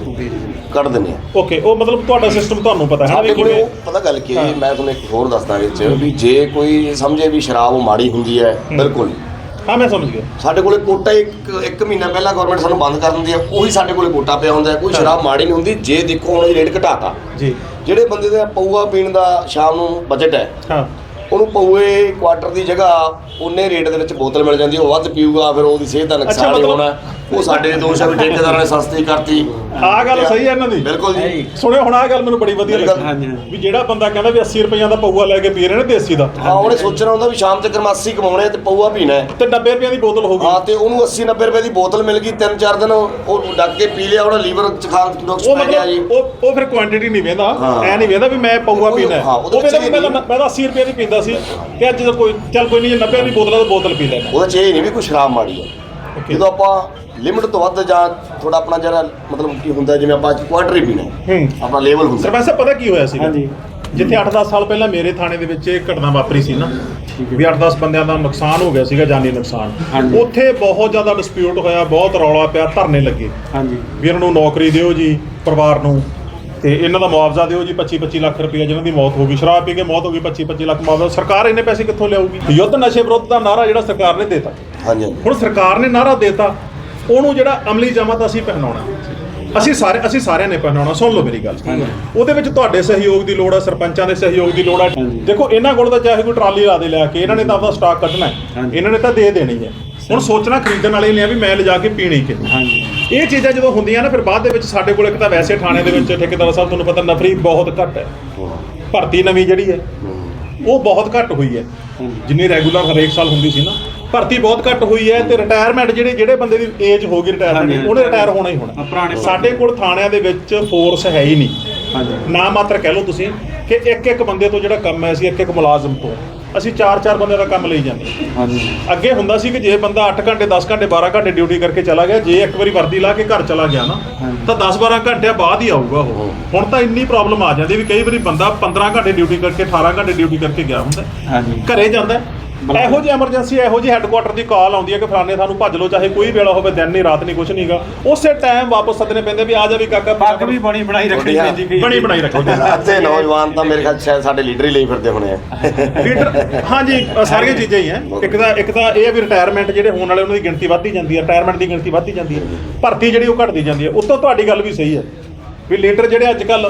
ਕੱਢ ਦਿੰਦੇ ਆ।
ਓਕੇ, ਉਹ ਮਤਲਬ ਤੁਹਾਡਾ ਸਿਸਟਮ ਤੁਹਾਨੂੰ ਪਤਾ ਹੈ
ਸਾਡੇ ਕੋਲੇ। ਪਤਾ ਗੱਲ ਕੀ ਹੈ, ਮੈਂ ਤੁਹਾਨੂੰ ਇੱਕ ਹੋਰ ਦੱਸਦਾ ਵਿੱਚ ਵੀ ਜੇ ਕੋਈ ਸਮਝੇ ਵੀ ਸ਼ਰਾਬ ਮਾੜੀ ਹੁੰਦੀ ਹੈ, ਬਿਲਕੁਲ
ਹਾਂ ਮੈਂ ਸਮਝ ਗਿਆ।
ਸਾਡੇ ਕੋਲੇ ਕੋਟਾ ਇੱਕ ਮਹੀਨਾ ਪਹਿਲਾਂ ਗਵਰਨਮੈਂਟ ਸਾਨੂੰ ਬੰਦ ਕਰ ਦਿੰਦੀ ਆ, ਉਹੀ ਸਾਡੇ ਕੋਲੇ ਕੋਟਾ ਪਿਆ ਹੁੰਦਾ। ਕੋਈ ਸ਼ਰਾਬ ਮਾੜੀ ਨਹੀਂ ਹੁੰਦੀ। ਜੇ ਦੇਖੋ ਹੁਣ ਰੇਟ ਘਟਾਤਾ ਜੀ, ਜਿਹੜੇ ਬੰਦੇ ਦਾ ਪਊਆ ਪੀਣ ਦਾ ਸ਼ਾਮ ਨੂੰ ਬਜਟ ਹੈ, ਉਹਨੂੰ ਪਊਏ ਕੁਆਟਰ ਦੀ ਜਗ੍ਹਾ ਉਹਨੇ ਰੇਟ ਦੇ ਵਿੱਚ ਬੋਤਲ ਮਿਲ ਜਾਂਦੀ, ਉਹ ਵੱਧ ਪੀਊਗਾ, ਫਿਰ ਉਹਦੀ ਸਿਹਤ ਦਾ ਨੁਕਸਾਨ ਹੀ ਹੋਣਾ। ਉਹ ਸਾਡੇ ਦੋਸ਼ ਆ ਵੀ ਠੇਕੇਦਾਰਾਂ ਨੇ ਸਸਤੀ ਕਰਤੀ।
ਆਹ ਗੱਲ ਸਹੀ ਹੈ ਇਹਨਾਂ ਦੀ,
ਬਿਲਕੁਲ ਜੀ।
ਸੁਣਿਓ ਹੁਣ ਆਹ ਗੱਲ ਮੈਨੂੰ ਬੜੀ ਵਧੀਆ ਲੱਗੀ ਵੀ ਜਿਹੜਾ ਬੰਦਾ ਕਹਿੰਦਾ ਵੀ 80 ਰੁਪਈਆਂ ਦਾ ਪਊਆ ਲੈ ਕੇ ਪੀ ਰਹੇ ਨੇ ਦੇਸੀ ਦਾ,
ਹਾਂ, ਉਹਨੇ ਸੋਚਣਾ ਹੁੰਦਾ ਵੀ ਸ਼ਾਮ ਤੱਕ 80 ਕਮਾਉਣੇ ਤੇ ਪਊਆ ਪੀਣਾ ਹੈ
ਤੇ 90 ਰੁਪਈਆਂ ਦੀ ਬੋਤਲ ਹੋ ਗਈ।
ਹਾਂ, ਤੇ ਉਹਨੂੰ 80-90 ਰੁਪਏ ਦੀ ਬੋਤਲ ਮਿਲ ਗਈ, 3-4 ਦਿਨ ਉਹ ਡੱਕ ਕੇ ਪੀ ਲਿਆ, ਉਹਦਾ ਲੀਵਰ ਚ ਖਾਣ ਨੁਕਸ ਪੈ ਗਿਆ ਜੀ।
ਉਹ ਫਿਰ ਕੁਆਂਟੀਟੀ ਨਹੀਂ ਵੇਂਦਾ, ਐ ਨਹੀਂ ਵੇਂਦਾ ਵੀ ਮੈਂ ਪਊਆ ਪੀਣਾ। ਉਹ ਵੇਂਦਾ ਵੀ ਮੈਂ ਤਾਂ 80 ਰੁਪਏ ਦੀ ਪੀਂਦਾ ਸੀ ਤੇ ਅੱਜ ਕੋਈ ਚੱਲ ਕੋਈ ਨਹੀਂ, ਜੇ 90 ਦੀ ਬੋਤਲ ਤਾਂ ਬੋਤਲ ਪੀ ਲੈਣਾ।
ਉਹਦਾ ਚ ਇਹ ਨਹੀਂ ਵੀ ਕੋਈ ਸ਼ਰਾਬ ਮਾੜੀ ਹੈ। ਜਦੋਂ ਆਪਾਂ ਲਿਮਿਟ ਤੋਂ ਵੱਧ ਜਾਂ ਥੋੜਾ ਆਪਣਾ ਜਿਹੜਾ ਮਤਲਬ ਕੀ ਹੁੰਦਾ, ਜਿਵੇਂ ਆਪਾਂ ਕੁਆਟਰ ਹੀ ਪੀਣਾ ਆਪਣਾ ਲੈਵਲ ਹੁੰਦਾ।
ਸਰਪੰਚ ਸਾਹਿਬ ਪਤਾ ਕੀ ਹੋਇਆ ਸੀ, ਜਿੱਥੇ 8-10 ਸਾਲ ਪਹਿਲਾਂ ਮੇਰੇ ਥਾਣੇ ਦੇ ਵਿੱਚ ਇੱਕ ਘਟਨਾ ਵਾਪਰੀ ਸੀ ਨਾ, ਵੀ 8-10 ਬੰਦਿਆਂ ਦਾ ਨੁਕਸਾਨ ਹੋ ਗਿਆ ਸੀਗਾ, ਜਾਨੀ ਨੁਕਸਾਨ। ਉੱਥੇ ਬਹੁਤ ਜ਼ਿਆਦਾ ਡਿਸਪਿਊਟ ਹੋਇਆ, ਬਹੁਤ ਰੌਲਾ ਪਿਆ, ਧਰਨੇ ਲੱਗੇ ਵੀ ਇਹਨਾਂ ਨੂੰ ਨੌਕਰੀ ਦਿਓ ਜੀ ਪਰਿਵਾਰ ਨੂੰ, ਤੇ ਇਹਨਾਂ ਦਾ ਮੁਆਵਜ਼ਾ ਦਿਓ ਜੀ 25-25 ਲੱਖ ਰੁਪਏ, ਜਿਹਨਾਂ ਦੀ ਮੌਤ ਹੋ ਗਈ, ਸ਼ਰਾਬ ਪੀ ਕੇ ਮੌਤ ਹੋ ਗਈ, 25-25 ਲੱਖ ਮੁਆਵਜ਼ਾ। ਸਰਕਾਰ ਇੰਨੇ ਪੈਸੇ ਕਿੱਥੋਂ ਲਿਆਊਗੀ? ਯੁੱਧ ਨਸ਼ੇ ਵਿਰੁੱਧ ਦਾ ਨਾਰਾ ਜਿਹੜਾ ਸਰਕਾਰ ਨੇ ਦੇਤਾ, ਹੁਣ ਸਰਕਾਰ ਨੇ ਨਾਰਾ ਦੇਤਾ, ਉਹਨੂੰ ਜਿਹੜਾ ਅਮਲੀ ਜਾਮਾ ਅਸੀਂ ਪਹਿਨਾਉਣਾ, ਅਸੀਂ ਸਾਰਿਆਂ ਨੇ ਪਹਿਨਾਉਣਾ। ਸੁਣ ਲਓ ਮੇਰੀ ਗੱਲ, ਉਹਦੇ ਵਿੱਚ ਤੁਹਾਡੇ ਸਹਿਯੋਗ ਦੀ ਲੋੜ ਹੈ, ਸਰਪੰਚਾਂ ਦੇ ਸਹਿਯੋਗ ਦੀ ਲੋੜ ਹੈ। ਦੇਖੋ ਇਹਨਾਂ ਕੋਲ ਤਾਂ ਚਾਹੇ ਕੋਈ ਟਰਾਲੀ ਲਾ ਦੇ ਲਿਆ ਕੇ, ਇਹਨਾਂ ਨੇ ਤਾਂ ਆਪਦਾ ਸਟਾਕ ਕੱਢਣਾ ਹੈ, ਇਹਨਾਂ ਨੇ ਤਾਂ ਦੇ ਦੇਣੀ ਹੈ। ਹੁਣ ਸੋਚਣਾ ਖਰੀਦਣ ਵਾਲੇ ਨੇ ਆ ਵੀ ਮੈਂ ਲਿਜਾ ਕੇ ਪੀਣੀ ਕਿੰਨੀ। ਇਹ ਚੀਜ਼ਾਂ ਜਦੋਂ ਹੁੰਦੀਆਂ ਨਾ, ਫਿਰ ਬਾਅਦ ਦੇ ਵਿੱਚ ਸਾਡੇ ਕੋਲ ਇੱਕ ਤਾਂ ਵੈਸੇ ਥਾਣੇ ਦੇ ਵਿੱਚ ਠੇਕੇਦਾਰ ਸਾਹਿਬ ਤੁਹਾਨੂੰ ਪਤਾ ਨਫਰੀ ਬਹੁਤ ਘੱਟ ਹੈ, ਭਰਤੀ ਨਵੀਂ ਜਿਹੜੀ ਹੈ ਉਹ ਬਹੁਤ ਘੱਟ ਹੋਈ ਹੈ, ਜਿੰਨੀ ਰੈਗੂਲਰ ਹਰੇਕ ਸਾਲ ਹੁੰਦੀ ਸੀ ਨਾ, ਭਰਤੀ ਬਹੁਤ ਘੱਟ ਹੋਈ ਹੈ। ਤੇ ਰਿਟਾਇਰਮੈਂਟ ਜਿਹੜੇ ਬੰਦੇ ਦੀ ਏਜ ਹੋ ਗਈ ਰਿਟਾਇਰਮੈਂਟ, ਉਹਨੇ ਰਿਟਾਇਰ ਹੋਣਾ ਹੀ ਹੋਣਾ। ਸਾਡੇ ਕੋਲ ਥਾਣਿਆਂ ਦੇ ਵਿੱਚ ਫੋਰਸ ਹੈ ਹੀ ਨਹੀਂ, ਨਾ ਮਾਤਰ ਕਹਿ ਲਓ ਤੁਸੀਂ ਕਿ ਇੱਕ ਬੰਦੇ ਤੋਂ ਜਿਹੜਾ ਕੰਮ ਹੈ, ਅਸੀਂ ਇੱਕ ਮੁਲਾਜ਼ਮ ਤੋਂ ਅਸੀਂ 4 ਬੰਦੇ ਦਾ ਕੰਮ ਲਈ ਜਾਂਦੇ। ਅੱਗੇ ਹੁੰਦਾ ਸੀ ਕਿ ਜੇ ਬੰਦਾ 8 ਘੰਟੇ 10 ਘੰਟੇ 12 ਘੰਟੇ ਡਿਊਟੀ ਕਰਕੇ ਚਲਾ ਗਿਆ, ਜੇ ਇੱਕ ਵਾਰੀ ਵਰਦੀ ਲਾ ਕੇ ਘਰ ਚਲਾ ਗਿਆ ਨਾ, ਤਾਂ 10-12 ਘੰਟਿਆਂ ਬਾਅਦ ਹੀ ਆਊਗਾ ਉਹ। ਹੁਣ ਤਾਂ ਇੰਨੀ ਪ੍ਰੋਬਲਮ ਆ ਜਾਂਦੀ ਵੀ ਕਈ ਵਾਰੀ ਬੰਦਾ 15 ਘੰਟੇ ਡਿਊਟੀ ਕਰਕੇ 18 ਘੰਟੇ ਡਿਊਟੀ ਕਰਕੇ ਗਿਆ ਹੁੰਦਾ, ਘਰੇ ਜਾਂਦਾ, ਇਹੋ ਜਿਹੀ ਐਮਰਜੈਂਸੀ, ਇਹੋ ਜਿਹੀ ਹੈੱਡਕੁਆਟਰ ਦੀ ਕਾਲ ਆਉਂਦੀ ਹੈ ਕਿ ਫਲਾਣੇ ਸਾਨੂੰ ਭੱਜ ਲਓ, ਚਾਹੇ ਕੋਈ ਵੇਲਾ ਹੋਵੇ, ਦਿਨ ਨਹੀਂ ਰਾਤ ਨਹੀਂ ਕੁਛ ਨਹੀਂਗਾ, ਉਸੇ ਟਾਈਮ ਵਾਪਸ ਸੱਦਣੇ ਪੈਂਦੇ ਵੀ ਆ ਜਾ ਵੀ ਕਾਕਾ। ਪੱਗ ਵੀ ਬਣੀ ਬਣਾਈ ਰੱਖਣੀ ਪੈਂਦੀ।
ਅੱਧੇ ਨੌਜਵਾਨ ਤਾਂ ਮੇਰੇ ਖਿਆਲ ਸ਼ਾਇਦ ਸਾਡੇ ਲੀਡਰ ਹੀ ਲਈ ਫਿਰਦੇ ਹੋਣੇ ਆ।
ਲੀਡਰ ਹਾਂਜੀ, ਸਾਰੀਆਂ ਚੀਜ਼ਾਂ ਹੀ ਹੈ। ਇੱਕ ਤਾਂ ਇਹ ਹੈ ਵੀ ਰਿਟਾਇਰਮੈਂਟ ਜਿਹੜੇ ਹੋਣ ਵਾਲੇ ਉਹਨਾਂ ਦੀ ਗਿਣਤੀ ਵੱਧਦੀ ਜਾਂਦੀ ਹੈ, ਰਿਟਾਇਰਮੈਂਟ ਦੀ ਗਿਣਤੀ ਵੱਧਦੀ ਜਾਂਦੀ ਹੈ, ਭਰਤੀ ਜਿਹੜੀ ਉਹ ਘਟਦੀ ਜਾਂਦੀ ਹੈ। ਉੱਤੋਂ ਤੁਹਾਡੀ ਗੱਲ ਵੀ ਸਹੀ ਹੈ ਵੀ ਲੀਡਰ ਜਿਹੜੇ ਅੱਜ ਕੱਲ੍ਹ,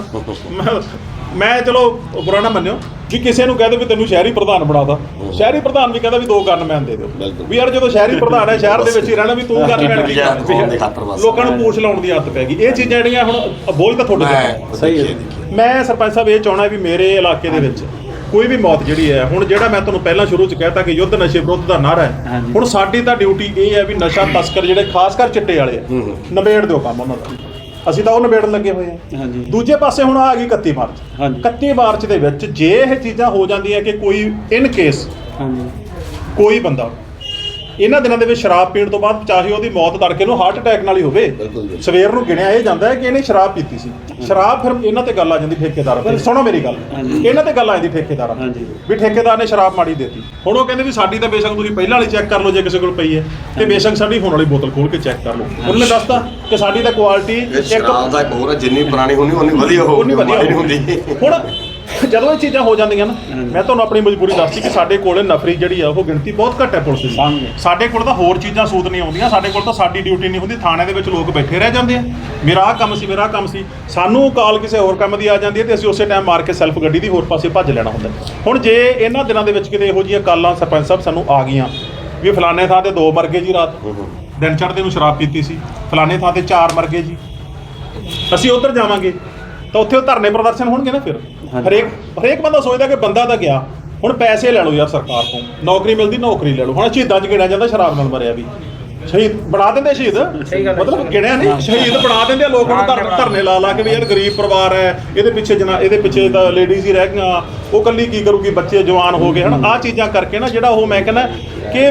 ਮੈਂ ਚਲੋ ਬੁਰਾ ਨਾ ਮੰਨਿਓ ਵੀ ਕਿਸੇ ਨੂੰ ਕਹਦੇ ਵੀ ਤੈਨੂੰ ਸ਼ਹਿਰੀ ਪ੍ਰਧਾਨ ਬਣਾਦਾ, ਸ਼ਹਿਰੀ ਪ੍ਰਧਾਨ ਵੀ ਕਹਿੰਦਾ ਵੀ 2 ਗਨਮੈਨ ਦੇ ਦਿਓ ਵੀ ਯਾਰ, ਜਦੋਂ ਸ਼ਹਿਰੀ ਪ੍ਰਧਾਨ ਹੈ ਸ਼ਹਿਰ ਦੇ ਵਿੱਚ ਹੀ ਰਹਿਣਾ, ਵੀ ਤੂੰ ਗਨਮੈਨ ਕੀ ਲੋਕਾਂ ਨੂੰ ਪੂਛ ਲਾਉਣ ਦੀ ਆਦਤ ਪੈ ਗਈ। ਇਹ ਚੀਜ਼ਾਂ ਜਿਹੜੀਆਂ ਹੁਣ ਬੋਝ ਤਾਂ ਤੁਹਾਡੇ ਤੇ ਸਹੀ ਹੈ। ਮੈਂ ਸਰਪੰਚ ਸਾਹਿਬ ਇਹ ਚਾਹਣਾ ਵੀ ਮੇਰੇ ਇਲਾਕੇ ਦੇ ਵਿੱਚ ਕੋਈ ਵੀ ਮੌਤ ਜਿਹੜੀ ਹੈ, ਹੁਣ ਜਿਹੜਾ ਮੈਂ ਤੁਹਾਨੂੰ ਪਹਿਲਾਂ ਸ਼ੁਰੂ 'ਚ ਕਹਿਤਾ ਕਿ ਯੁੱਧ ਨਸ਼ੇ ਵਿਰੁੱਧ ਦਾ ਨਾਰਾ ਹੈ, ਹੁਣ ਸਾਡੀ ਤਾਂ ਡਿਊਟੀ ਇਹ ਹੈ ਵੀ ਨਸ਼ਾ ਤਸਕਰ ਜਿਹੜੇ ਖਾਸ ਕਰ ਚਿੱਟੇ ਵਾਲੇ ਆ, ਨਿਬੇੜ ਦਿਓ ਕੰਮ ਉਹਨਾਂ ਦਾ। ਅਸੀਂ ਤਾਂ ਉਹ ਨਿਬੇੜਨ ਲੱਗੇ ਹੋਏ ਹਾਂ। ਦੂਜੇ ਪਾਸੇ ਹੁਣ ਆ ਗਈ 31 ਮਾਰਚ। 31 ਮਾਰਚ ਦੇ ਵਿੱਚ ਜੇ ਇਹ ਚੀਜ਼ਾਂ ਹੋ ਜਾਂਦੀਆਂ ਕਿ ਕੋਈ ਇਨ ਕੇਸ ਕੋਈ ਬੰਦਾ ਇਹਨਾਂ ਦਿਨਾਂ ਦੇ ਵਿੱਚ ਸ਼ਰਾਬ ਪੀਣ ਤੋਂ ਬਾਅਦ, ਚਾਹੇ ਉਹਦੀ ਮੌਤ ਤੜਕੇ ਨੂੰ ਹਾਰਟ ਅਟੈਕ ਨਾਲ ਹੀ ਹੋਵੇ, ਸਵੇਰ ਨੂੰ ਗਿਣਿਆ ਇਹ ਜਾਂਦਾ ਹੈ ਕਿ ਇਹਨੇ ਸ਼ਰਾਬ ਪੀਤੀ ਸੀ। ਸ਼ਰਾਬ ਫਿਰ ਇਹਨਾਂ ਤੇ ਗੱਲ ਆ ਜਾਂਦੀ ਠੇਕੇਦਾਰ ਤੇ। ਸੁਣੋ ਮੇਰੀ ਗੱਲ, ਇਹਨਾਂ ਤੇ ਗੱਲ ਆ ਜਾਂਦੀ ਠੇਕੇਦਾਰ ਵੀ ਠੇਕੇਦਾਰ ਨੇ ਸ਼ਰਾਬ ਮਾੜੀ ਦੇਤੀ। ਹੁਣ ਉਹ ਕਹਿੰਦੇ ਵੀ ਸਾਡੀ ਤਾਂ ਬੇਸ਼ੱਕ ਤੁਸੀਂ ਪਹਿਲਾਂ ਵਾਲੀ ਚੈੱਕ ਕਰ ਲਓ ਜੇ ਕਿਸੇ ਕੋਲ ਪਈ ਹੈ, ਤੇ ਬੇਸ਼ੱਕ ਸਾਡੀ ਹੁਣ ਵਾਲੀ ਬੋਤਲ ਖੋਲ ਕੇ ਚੈੱਕ ਕਰ ਲਓ। ਉਹਨੇ ਦੱਸਤਾ ਕਿ ਸਾਡੀ ਤਾਂ ਕੁਆਲਿਟੀ
ਸ਼ਰਾਬ ਦਾ ਇੱਕ ਹੋਰ ਹੈ, ਜਿੰਨੀ ਪੁਰਾਣੀ ਹੋਣੀ ਉਨੀ ਵਧੀਆ ਹੋਊਗੀ, ਮਾੜੀ ਨਹੀਂ ਹੁੰਦੀ।
ਜਦੋਂ ਇਹ ਚੀਜ਼ਾਂ ਹੋ ਜਾਂਦੀਆਂ ਨਾ, ਮੈਂ ਤੁਹਾਨੂੰ ਆਪਣੀ ਮਜਬੂਰੀ ਦੱਸਦੀ ਕਿ ਸਾਡੇ ਕੋਲ ਨਫਰੀ ਜਿਹੜੀ ਆ ਉਹ ਗਿਣਤੀ ਬਹੁਤ ਘੱਟ ਹੈ ਪੁਲਿਸ ਦੀ। ਸਾਡੇ ਕੋਲ ਤਾਂ ਹੋਰ ਚੀਜ਼ਾਂ ਸੂਤ ਨਹੀਂ ਆਉਂਦੀਆਂ, ਸਾਡੇ ਕੋਲ ਤਾਂ ਸਾਡੀ ਡਿਊਟੀ ਨਹੀਂ ਹੁੰਦੀ, ਥਾਣੇ ਦੇ ਵਿੱਚ ਲੋਕ ਬੈਠੇ ਰਹਿ ਜਾਂਦੇ ਆ, ਮੇਰਾ ਆਹ ਕੰਮ ਸੀ, ਮੇਰਾ ਆਹ ਕੰਮ ਸੀ, ਸਾਨੂੰ ਕਾਲ ਕਿਸੇ ਹੋਰ ਕੰਮ ਦੀ ਆ ਜਾਂਦੀ ਹੈ ਤੇ ਅਸੀਂ ਉਸੇ ਟਾਈਮ ਮਾਰ ਕੇ ਸੈਲਫ ਗੱਡੀ ਦੀ ਹੋਰ ਪਾਸੇ ਭੱਜ ਲੈਣਾ ਹੁੰਦਾ। ਹੁਣ ਜੇ ਇਹਨਾਂ ਦਿਨਾਂ ਦੇ ਵਿੱਚ ਕਿਤੇ ਇਹੋ ਜਿਹੀਆਂ ਕਾਲਾਂ ਸਰਪੰਚ ਸਾਹਿਬ ਸਾਨੂੰ ਆ ਗਈਆਂ ਵੀ ਫਲਾਣੇ ਥਾਂ ਤੇ 2 ਮਰ ਗਏ ਜੀ, ਰਾਤ ਦਿਨ ਚੜ੍ਹਦੇ ਨੂੰ ਸ਼ਰਾਬ ਪੀਤੀ ਸੀ, ਫਲਾਣੇ ਥਾਂ ਤੇ 4 ਮਰ ਗਏ ਜੀ, ਅਸੀਂ ਉੱਧਰ ਜਾਵਾਂਗੇ ਤਾਂ ਉੱਥੇ ਉਹ ਧਰਨੇ ਪ੍ਰਦਰਸ਼ਨ ਹੋਣਗੇ ਨਾ। ਫਿਰ ਹਰੇਕ ਬੰਦਾ ਸੋਚਦਾ ਕਿ ਬੰਦਾ ਤਾਂ ਗਿਆ, ਹੁਣ ਪੈਸੇ ਲੈ ਲਓ ਯਾਰ ਸਰਕਾਰ ਤੋਂ, ਨੌਕਰੀ ਮਿਲਦੀ ਨੌਕਰੀ ਲੈ ਲਓ। ਹੁਣ ਸ਼ਹੀਦਾਂ 'ਚ ਗਿਣਿਆ ਜਾਂਦਾ ਸ਼ਰਾਬ ਨਾਲ ਮਰਿਆ ਵੀ, ਸ਼ਹੀਦ ਬਣਾ ਦਿੰਦੇ, ਸ਼ਹੀਦ ਮਤਲਬ ਗਿਣਿਆ ਨਹੀਂ, ਸ਼ਹੀਦ ਬਣਾ ਦਿੰਦੇ ਆ ਲੋਕ ਨੂੰ ਧਰਨੇ ਲਾ ਕੇ ਵੀ ਯਾਰ ਗਰੀਬ ਪਰਿਵਾਰ ਹੈ, ਇਹਦੇ ਪਿੱਛੇ ਤਾਂ ਲੇਡੀਜ਼ ਹੀ ਰਹਿ ਗਈਆਂ, ਉਹ ਇਕੱਲੀ ਕੀ ਕਰੂਗੀ, ਬੱਚੇ ਜਵਾਨ ਹੋ ਗਏ ਹਨ। ਆਹ ਚੀਜ਼ਾਂ ਕਰਕੇ ਨਾ ਜਿਹੜਾ ਉਹ ਮੈਂ ਕਹਿੰਦਾ ਕਿ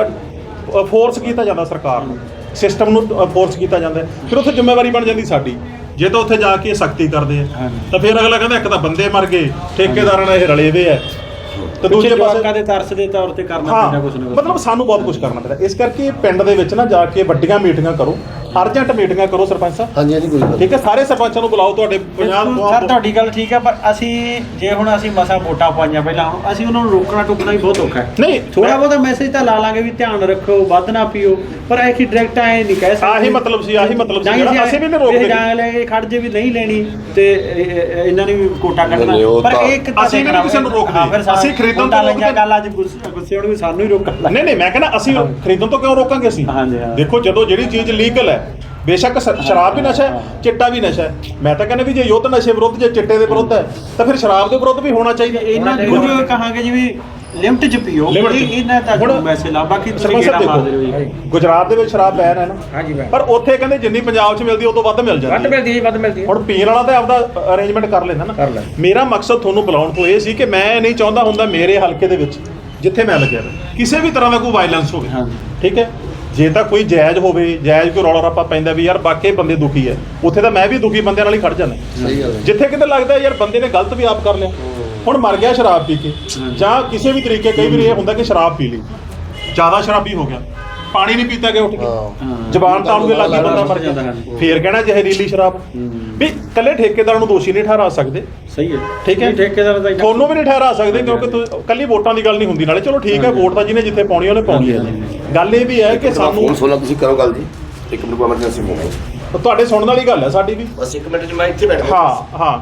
ਫੋਰਸ ਕੀਤਾ ਜਾਂਦਾ ਸਰਕਾਰ ਨੂੰ, ਸਿਸਟਮ ਨੂੰ ਫੋਰਸ ਕੀਤਾ ਜਾਂਦਾ, ਫਿਰ ਉੱਥੇ ਜ਼ਿੰਮੇਵਾਰੀ ਬਣ ਜਾਂਦੀ ਸਾਡੀ। ਜੇ ਤਾਂ ਉੱਥੇ ਜਾ ਕੇ ਸਖਤੀ ਕਰਦੇ ਆ ਤਾਂ ਫਿਰ ਅਗਲਾ ਕਹਿੰਦਾ ਇੱਕ ਤਾਂ ਬੰਦੇ ਮਰ ਗਏ, ਠੇਕੇਦਾਰਾਂ ਨਾਲ ਇਹ ਰਲੇ ਵੇ ਆ, ਤੇ ਦੂਜੇ ਪਾਸੇ
ਦੇ ਤਰਸ ਦੇ ਤੌਰ ਤੇ ਕਰਨਾ ਪੈਂਦਾ ਕੁਝ ਨਾ ਕੁਝ,
ਮਤਲਬ ਸਾਨੂੰ ਬਹੁਤ ਕੁਝ ਕਰਨਾ ਪੈਂਦਾ। ਇਸ ਕਰਕੇ ਪਿੰਡ ਦੇ ਵਿੱਚ ਨਾ ਜਾ ਕੇ ਵੱਡੀਆਂ ਮੀਟਿੰਗਾਂ ਕਰੋ, ਅਰਜੈਂਟ ਮੀਟਿੰਗਾਂ ਕਰੋ ਸਰਪੰਚ ਸਾਹਿਬ।
ਹਾਂਜੀ ਹਾਂਜੀ ਕੋਈ ਗੱਲ
ਠੀਕ ਹੈ, ਸਾਰੇ ਸਰਪੰਚਾਂ ਨੂੰ ਬੁਲਾਓ ਤੁਹਾਡੇ ਪੰਜਾਬ ਤੋਂ।
ਸਰ ਤੁਹਾਡੀ ਗੱਲ ਠੀਕ ਹੈ, ਪਰ ਅਸੀਂ ਜੇ ਹੁਣ ਅਸੀਂ ਮਸਾਂ ਵੋਟਾਂ ਪਾਈਆਂ ਪਹਿਲਾਂ, ਹੁਣ ਅਸੀਂ ਉਹਨਾਂ ਨੂੰ ਰੋਕਣਾ ਟੋਕਣਾ ਵੀ ਬਹੁਤ ਔਖਾ ਹੈ।
ਨਹੀਂ
ਥੋੜਾ ਬਹੁਤਾ ਮੈਸੇਜ ਤਾਂ ਲਾ ਲਾਂਗੇ ਵੀ ਧਿਆਨ ਰੱਖੋ, ਵੱਧ ਨਾ ਪੀਓ, ਪਰ ਇਹ ਡਾਇਰੈਕਟ ਐ ਨਹੀਂ ਕਹਿ ਸਕਦੇ।
ਆਹੀ ਮਤਲਬ ਸੀ ਜਿਹੜਾ ਅਸੀਂ ਵੀ ਨਹੀਂ ਰੋਕਦੇ,
ਜਾਂ ਲੈ ਕੇ ਖੜ ਜੇ ਵੀ ਨਹੀਂ ਲੈਣੀ ਤੇ ਇਹਨਾਂ ਨੇ ਵੀ ਕੋਟਾ ਕੱਢਣਾ, ਪਰ ਇਹ ਇੱਕ
ਅਸੀਂ ਵੀ ਕਿਸੇ ਨੂੰ ਰੋਕਦੇ, ਅਸੀਂ ਖਰੀਦਣ ਤੋਂ
ਰੋਕਦੇ। ਗੱਲ ਅੱਜ ਗੁੱਸੇ ਹੋਣ ਵੀ ਸਾਨੂੰ ਹੀ ਰੋਕਣਾ।
ਨਹੀਂ ਮੈਂ ਕਹਿੰਦਾ ਅਸੀਂ ਖਰੀਦਣ ਤੋਂ ਕਿਉਂ ਰੋਕਾਂਗੇ ਅਸੀਂ? ਦੇਖੋ ਜਦੋਂ ਜਿਹੜੀ ਚੀਜ਼ ਲੀਗਲ ਹੈ, ਬੇਸ਼ੱਕ ਸ਼ਰਾਬ ਵੀ ਨਸ਼ਾ ਹੈ, ਚਿੱਟਾ ਵੀ ਨਸ਼ਾ ਹੈ, ਮੈਂ ਤਾਂ ਕਹਿੰਦਾ ਵੀ ਜੇ ਯੁੱਧ ਨਸ਼ੇ ਵਿਰੁੱਧ, ਜੇ ਚਿੱਟੇ ਦੇ ਵਿਰੁੱਧ ਹੈ ਤਾਂ ਫਿਰ ਸ਼ਰਾਬ ਦੇ ਵਿਰੁੱਧ ਵੀ ਹੋਣਾ ਚਾਹੀਦਾ।
ਇਹਨਾਂ ਨੂੰ ਕਹਾਂਗੇ ਜਿਵੇਂ ਲਿਮਟ ਚ ਪੀਓ, ਇਹਨਾਂ ਤੱਕ ਮੈਸੇਜ ਲਾ। ਬਾਕੀ ਤੁਸੀਂ ਕਿਹੜਾ ਮਾਰਦੇ ਰਹੋ ਜੀ,
ਗੁਜਰਾਤ ਦੇ ਵਿੱਚ ਸ਼ਰਾਬ ਬੈਨ ਹੈ ਨਾ,
ਹਾਂਜੀ
ਪਰ ਉੱਥੇ ਕਹਿੰਦੇ ਜਿੰਨੀ ਪੰਜਾਬ 'ਚ ਮਿਲਦੀ ਉਹ ਤੋਂ ਵੱਧ ਮਿਲ ਜਾਂਦੀ ਹੈ,
ਵੱਧ ਮਿਲਦੀ ਹੈ।
ਹੁਣ ਪੀਣ ਵਾਲਾ ਤਾਂ ਆਪਦਾ ਅਰੇਂਜਮੈਂਟ ਕਰ ਲੈਂਦਾ ਨਾ। ਮੇਰਾ ਮਕਸਦ ਤੁਹਾਨੂੰ ਬੁਲਾਉਣ ਤੋਂ ਇਹ ਸੀ ਕਿ ਮੈਂ ਨਹੀਂ ਚਾਹੁੰਦਾ ਹੁੰਦਾ ਮੇਰੇ ਹਲਕੇ ਦੇ ਵਿੱਚ ਜਿੱਥੇ ਮੈਂ ਲੱਗਿਆ ਕਿਸੇ ਵੀ ਤਰ੍ਹਾਂ ਦਾ ਕੋਈ ਵਾਇਲੈਂਸ ਹੋਵੇ। ਠੀਕ ਹੈ, ਜੇ ਤਾਂ ਕੋਈ ਜਾਇਜ਼ ਹੋਵੇ, ਜਾਇਜ਼ ਕੋਈ ਰੌਲਾ ਰੱਪਾ ਪੈਂਦਾ ਵੀ ਯਾਰ ਬਾਕੀ ਬੰਦੇ ਦੁਖੀ ਹੈ, ਉੱਥੇ ਤਾਂ ਮੈਂ ਵੀ ਦੁਖੀ ਬੰਦਿਆਂ ਨਾਲ ਹੀ ਖੜ ਜਾਂਦਾ। ਜਿੱਥੇ ਕਿਤੇ ਲੱਗਦਾ ਯਾਰ ਬੰਦੇ ਨੇ ਗਲਤ ਵੀ ਆਪ ਕਰ ਲਿਆ, ਹੁਣ ਮਰ ਗਿਆ ਸ਼ਰਾਬ ਪੀ ਕੇ, ਜਾਂ ਕਿਸੇ ਵੀ ਤਰੀਕੇ, ਕਈ ਵਾਰੀ ਇਹ ਹੁੰਦਾ ਕਿ ਸ਼ਰਾਬ ਪੀ ਲਈ, ਜ਼ਿਆਦਾ ਸ਼ਰਾਬੀ ਹੋ ਗਿਆ, ਪਾਣੀ ਨਹੀਂ ਪੀਤਾ ਗਿਆ ਉੱਠ ਕੇ, ਜ਼ਬਾਨ ਤਾਲੂ ਦੇ ਲੱਗੀ ਬੰਦਾ ਮਰ ਜਾਂਦਾ, ਫੇਰ ਕਹਿਣਾ ਜ਼ਹਿਰੀਲੀ ਸ਼ਰਾਬ। ਵੀ ਇਕੱਲੇ ਠੇਕੇਦਾਰ ਨੂੰ ਦੋਸ਼ੀ ਨਹੀਂ ਠਹਿਰਾ ਸਕਦੇ।
ਸਹੀ ਹੈ,
ਠੀਕ ਹੈ,
ਠੇਕੇਦਾਰ ਦਾ
ਤੁਹਾਨੂੰ ਵੀ ਨਹੀਂ ਠਹਿਰਾ ਸਕਦੇ, ਕਿਉਂਕਿ ਕੱਲੀ ਵੋਟਾਂ ਦੀ ਗੱਲ ਨਹੀਂ ਹੁੰਦੀ। ਨਾਲੇ ਚਲੋ ਠੀਕ ਹੈ, ਵੋਟ ਤਾਂ ਜਿਹਨੇ ਜਿੱਥੇ ਪਾਉਣੀ ਉਹਨੇ ਪਾਉਣੀ ਹੈ। ਗੱਲ ਇਹ ਵੀ ਹੈ ਕਿ ਸਾਨੂੰ
ਤੁਸੀਂ ਕਰੋ ਗੱਲ ਜੀ, ਇੱਕ ਮਿੰਟ ਐਮਰਜੈਂਸੀ ਹੋ
ਤੁਹਾਡੇ ਸੁਣਨ ਵਾਲੀ ਗੱਲ ਹੈ ਸਾਡੀ ਵੀ,
ਬਸ ਇੱਕ ਮਿੰਟ 'ਚ ਮੈਂ ਇੱਥੇ ਬੈਠਾ।
ਹਾਂ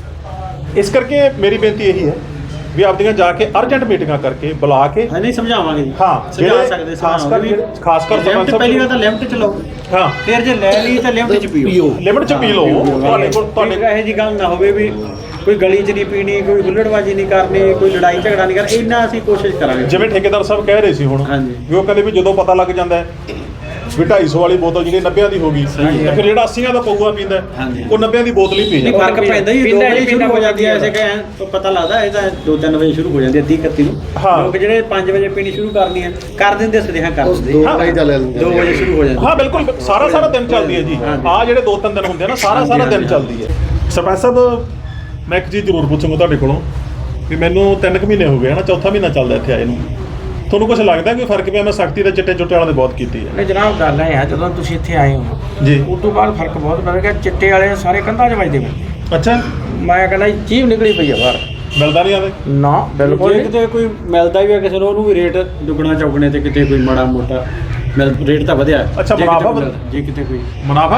ਇਸ ਕਰਕੇ ਮੇਰੀ ਬੇਨਤੀ ਇਹੀ ਹੈ ਵੀ ਆਪਦੀਆਂ ਜਾ ਕੇ ਅਰਜੈਂਟ ਮੀਟਿੰਗਾਂ ਕਰਕੇ ਬੁਲਾ ਕੇ
ਨਹੀਂ ਸਮਝਾਵਾਂਗੇ ਜੀ।
ਹਾਂ,
ਸਮਝਾ ਸਕਦੇ,
ਖਾਸ ਕਰ
ਪਹਿਲੀ ਵਾਰ ਤਾਂ ਲਿਮਟ ਚ ਲਓ,
ਹਾਂ,
ਫਿਰ ਜੇ ਲੈ ਲਈ ਤਾਂ ਲਿਮਟ ਚ ਪੀਓ,
ਲਿਮਟ ਚ ਪੀ ਲਓ।
ਤੁਹਾਡੇ ਇਹੋ ਜਿਹੀ ਗੱਲ ਨਾ ਹੋਵੇ ਵੀ ਕੋਈ ਗਲੀ 'ਚ ਨਹੀਂ ਪੀਣੀ, ਕੋਈ ਹੁੱਲੜਬਾਜ਼ੀ ਨਹੀਂ ਕਰਨੀ, ਕੋਈ ਲੜਾਈ ਝਗੜਾ ਨਹੀਂ ਕਰਨਾ, ਇੰਨਾ ਅਸੀਂ ਕੋਸ਼ਿਸ਼ ਕਰਾਂਗੇ।
ਜਿਵੇਂ ਠੇਕੇਦਾਰ ਸਾਹਿਬ ਕਹਿ ਰਹੇ ਸੀ ਹੁਣ ਵੀ ਉਹ ਕਹਿੰਦੇ ਵੀ ਜਦੋਂ ਪਤਾ ਲੱਗ ਜਾਂਦਾ ਹੈ ਵੀ 250 ਵਾਲੀ ਬੋਤਲ ਜਿਹੜੀ 90 ਦੀ ਹੋ ਗਈ, ਤਾਂ ਫਿਰ ਜਿਹੜਾ 80 ਦਾ ਪਊਆ ਪੀਂਦਾ ਉਹ 90 ਦੀ ਬੋਤਲ ਹੀ ਪੀ ਜਾਂਦਾ।
ਫਰਕ ਪੈਂਦਾ ਹੀ 2 ਵਜੇ ਸ਼ੁਰੂ ਹੋ ਜਾਂਦੀ ਹੈ, ਐਸੇ ਕਹਿ ਪਤਾ ਲੱਗਦਾ ਇਹ ਤਾਂ 2-3 ਵਜੇ ਸ਼ੁਰੂ ਹੋ ਜਾਂਦੀ ਹੈ, 30-31 ਨੂੰ। ਲੋਕ ਜਿਹੜੇ 5 ਵਜੇ ਪੀਣੀ ਸ਼ੁਰੂ ਕਰਨੀ ਹੈ ਕਰ ਦਿੰਦੇ, ਸਦੇਹਾ ਕਰ ਦਿੰਦੇ, 2 ਵਜੇ ਸ਼ੁਰੂ ਹੋ ਜਾਂਦੀ।
ਹਾਂ ਬਿਲਕੁਲ, ਸਾਰਾ ਦਿਨ ਚੱਲਦੀ ਹੈ ਜੀ। ਆਹ ਜਿਹੜੇ 2-3 ਦਿਨ ਹੁੰਦੇ ਆ ਨਾ, ਸਾਰਾ ਦਿਨ ਚੱਲਦੀ ਹੈ। ਸਰਪੰਚ ਸਾਹਿਬ ਮੈਂ ਇੱਕ ਚੀਜ਼ ਜ਼ਰੂਰ ਪੁੱਛੂੰਗਾ ਤੁਹਾਡੇ ਕੋਲੋਂ ਵੀ ਮੈਨੂੰ 3 ਮਹੀਨੇ ਹੋ ਗਏ ਨਾ, 4ਥਾ ਮਹੀਨਾ ਚੱਲਦਾ ਇੱਥੇ ਆਏ ਨੂੰ, ਤੁਹਾਨੂੰ ਕੁਝ ਲੱਗਦਾ ਕਿ ਫਰਕ ਪਿਆ? ਮੈਂ ਸਖਤੀ ਤਾਂ ਚਿੱਟੇ ਚੁੱਟੇ ਵਾਲਿਆਂ ਨੇ ਬਹੁਤ ਕੀਤੀ ਹੈ।
ਨਹੀਂ ਜਨਾਬ, ਗੱਲ ਇਹ ਹੈ ਜਦੋਂ ਤੁਸੀਂ ਇੱਥੇ ਆਏ ਹੋ
ਜੀ,
ਉਸ ਤੋਂ ਬਾਅਦ ਫਰਕ ਬਹੁਤ ਪੈ ਗਿਆ। ਚਿੱਟੇ ਵਾਲੇ ਸਾਰੇ ਕੰਧਾਂ 'ਚ ਵੱਜਦੇ ਪਏ।
ਅੱਛਾ,
ਮੈਂ ਕਹਿੰਦਾ ਜੀਭ ਨਿਕਲੀ ਪਈ ਆ ਬਾਹਰ,
ਮਿਲਦਾ ਨਹੀਂ ਆਵੇ
ਨਾ ਬਿਲਕੁਲ।
ਜੇ ਕਿਤੇ ਕੋਈ ਮਿਲਦਾ ਵੀ ਆ ਕਿਸੇ ਨੂੰ, ਉਹਨੂੰ ਵੀ ਰੇਟ ਦੁੱਗਣਾ ਚੌਗਣੇ ਤੇ ਕਿਤੇ ਕੋਈ ਮਾੜਾ ਮੋਟਾ ਰੇਟ ਤਾਂ ਵਧਿਆ।
ਅੱਛਾ, ਮੁਨਾਫਾ
ਜੇ ਕਿਤੇ ਕੋਈ
ਮੁਨਾਫਾ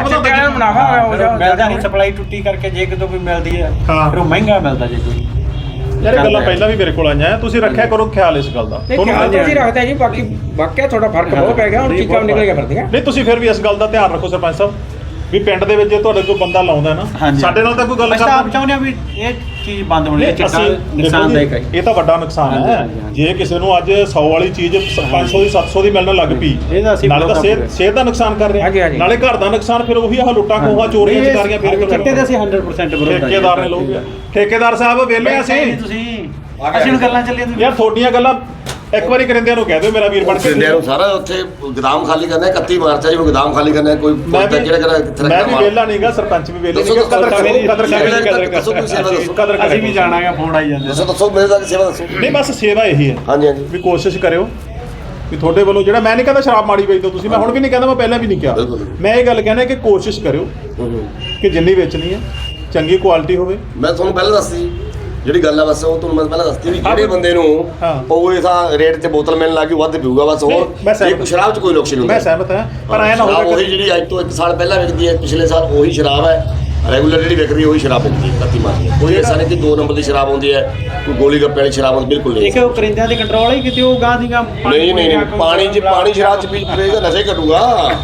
ਮਿਲਦਾ ਨਹੀਂ, ਸਪਲਾਈ ਟੁੱਟੀ ਕਰਕੇ ਜੇ ਕਿਤੇ ਕੋਈ ਮਿਲਦੀ ਹੈ ਫਿਰ ਉਹ ਮਹਿੰਗਾ ਮਿਲਦਾ। ਜੇ ਕੋਈ
ਯਾਰ ਇਹ ਗੱਲਾਂ ਪਹਿਲਾਂ ਵੀ ਮੇਰੇ ਕੋਲ ਆਈਆਂ, ਤੁਸੀਂ ਰੱਖਿਆ ਕਰੋ ਖਿਆਲ ਇਸ ਗੱਲ ਦਾ।
ਤੁਸੀਂ ਰੱਖਦੇ ਜੀ, ਬਾਕੀ ਵਾਕਿਆ ਤੁਹਾਡਾ ਫਰਕ ਬਹੁਤ ਪੈ ਗਿਆ, ਹੁਣ ਚੀਕਾਂ ਨਿਕਲ ਕੇ ਫਿਰਦੀਆਂ।
ਨਹੀਂ ਤੁਸੀਂ ਫਿਰ ਵੀ ਇਸ ਗੱਲ ਦਾ ਧਿਆਨ ਰੱਖੋ ਸਰਪੰਚ ਸਾਹਿਬ ਵੀ ਪਿੰਡ ਦੇ ਵਿੱਚ ਜੇ ਤੁਹਾਡੇ ਕੋਈ ਬੰਦਾ ਲਾਉਂਦਾ ਨਾ, ਸਾਡੇ ਨਾਲ ਤਾਂ ਕੋਈ ਗੱਲ
ਕਰਦਾ, ਆਪ ਚਾਹੁੰਦੇ ਆ ਵੀ ਇਹ ਚੀਜ਼ ਬੰਦ ਹੋਣੀ ਚਾਹੀਦੀ। ਨੁਕਸਾਨਦਾਇਕ ਹੈ,
ਇਹ ਤਾਂ ਵੱਡਾ ਨੁਕਸਾਨ ਹੈ। ਜੇ ਕਿਸੇ ਨੂੰ ਅੱਜ 100 ਵਾਲੀ ਚੀਜ਼ 500 ਦੀ 700 ਦੀ ਮਿਲਣ ਲੱਗ ਪਈ, ਨਾਲੇ ਤਾਂ ਸਿਹਤ ਦਾ ਨੁਕਸਾਨ ਕਰ ਰਿਹਾ, ਨਾਲੇ ਘਰ ਦਾ ਨੁਕਸਾਨ, ਫਿਰ ਉਹੀ ਆਹ ਲੁੱਟਾਂ ਖੋਹਾਂ ਚੋਰੀਆਂ ਚਕਾਰੀਆਂ ਫਿਰ
ਚਿੱਟੇ ਦੇ ਅਸੀਂ 100% ਵਿਰੋਧ ਹਾਂ।
ਠੇਕੇਦਾਰ ਨੇ ਲੋਕ ਠੇਕੇਦਾਰ ਸਾਹਿਬ ਵਿਹਲੇ ਅਸੀਂ
ਨੂੰ ਗੱਲਾਂ ਚੱਲੀਆਂ
ਯਾਰ, ਤੁਹਾਡੀਆਂ ਗੱਲਾਂ ਇੱਕ ਵਾਰੀ ਕਰਿੰਦਿਆਂ ਨੂੰ ਕਹਿ ਦਿਓ ਮੇਰਾ ਵੀਰ ਬਣ ਕੇ।
ਕਰਿੰਦਿਆਂ ਨੂੰ ਸਾਰਾ ਉੱਥੇ ਗੋਦਾਮ ਖਾਲੀ ਕਰਨਾ ਹੈ, 31 ਮਾਰਚ ਆ ਜੀ, ਗੋਦਾਮ ਖਾਲੀ ਕਰਨਾ ਹੈ। ਕੋਈ
ਮੈਂ ਵੀ ਵਿਹਲਾ ਨਹੀਂਗਾ, ਸਰਪੰਚ ਵੀ ਵਿਹਲੇ ਨਹੀਂਗਾ।
ਅਸੀਂ ਵੀ ਜਾਣਾਗਾ, ਫੋਨ ਆਈ ਜਾਂਦੇ।
ਦੱਸੋ ਮੇਰੇ ਤੱਕ ਸੇਵਾ ਦੱਸੋ।
ਨਹੀਂ ਬਸ ਸੇਵਾ ਇਹੀ ਹੈ।
ਹਾਂਜੀ
ਵੀ ਕੋਸ਼ਿਸ਼ ਕਰਿਓ ਵੀ ਤੁਹਾਡੇ ਵੱਲੋਂ ਜਿਹੜਾ, ਮੈਂ ਨਹੀਂ ਕਹਿੰਦਾ ਸ਼ਰਾਬ ਮਾੜੀ ਵੇਚਦੇ ਤੁਸੀਂ, ਮੈਂ ਹੁਣ ਵੀ ਨਹੀਂ ਕਹਿੰਦਾ, ਮੈਂ ਪਹਿਲਾਂ ਵੀ ਨਹੀਂ ਕਿਹਾ, ਮੈਂ ਇਹ ਗੱਲ ਕਹਿੰਦਾ ਕਿ ਕੋਸ਼ਿਸ਼ ਕਰਿਓ ਕਿ ਜਿੰਨੀ ਵੇਚਣੀ ਹੈ ਚੰਗੀ ਕੁਆਲਿਟੀ ਹੋਵੇ।
ਮੈਂ ਤੁਹਾਨੂੰ ਪਹਿਲਾਂ ਦੱਸਦੀ ਜਿਹੜੀ ਗੱਲ ਆ ਬਸ ਉਹ ਤੁਹਾਨੂੰ ਮੈਂ ਪਹਿਲਾਂ ਦੱਸਤੀ ਵੀ ਜਿਹੜੇ ਬੰਦੇ ਨੂੰ ਪਊਏ ਤਾਂ ਰੇਟ ਤੇ ਬੋਤਲ ਮਿਲਣ ਲੱਗੀ ਵੱਧ ਪੀਊਗਾ ਬਸ ਹੋਰ ਇਹ ਸ਼ਰਾਬ 'ਚ ਕੋਈ ਨੁਕਸ ਨਹੀਂ ਹੁੰਦਾ।
ਮੈਂ ਸਹਿਮਤ ਹਾਂ ਪਰ ਐ ਨਾ ਹੋਵੇ
ਉਹੀ ਜਿਹੜੀ ਅੱਜ ਤੋਂ 1 ਸਾਲ ਪਹਿਲਾਂ ਵਿਕਦੀ ਹੈ ਪਿਛਲੇ ਸਾਲ ਉਹੀ ਸ਼ਰਾਬ ਹੈ ਰੈਗੂਲਰ ਜਿਹੜੀ ਵਿਕਦੀ ਉਹੀ ਸ਼ਰਾਬ ਵਿਕਦੀ ਹੈ ਕੱਤੀ ਮਾਰਦੀ ਹੈ। ਕੋਈ ਐਸਾ ਨਹੀਂ ਕਿ 2 ਨੰਬਰ ਦੀ ਸ਼ਰਾਬ ਆਉਂਦੀ ਹੈ ਕੋਈ ਗੋਲੀ ਗੱਪੇ ਵਾਲੀ ਸ਼ਰਾਬ ਹੁੰਦੀ ਬਿਲਕੁਲ ਨਹੀਂ।
ਇੱਕ ਉਹ ਕਰਿੰਦਿਆਂ ਦੇ ਕੰਟਰੋਲ ਹੀ ਕਿਤੇ ਉਹ ਗਾਂ ਦੀ ਗਾਂ
ਨਹੀਂ ਪਾਣੀ ਸ਼ਰਾਬ 'ਚ ਪੀਏਗਾ ਨਸ਼ੇ ਘਟੂਗਾ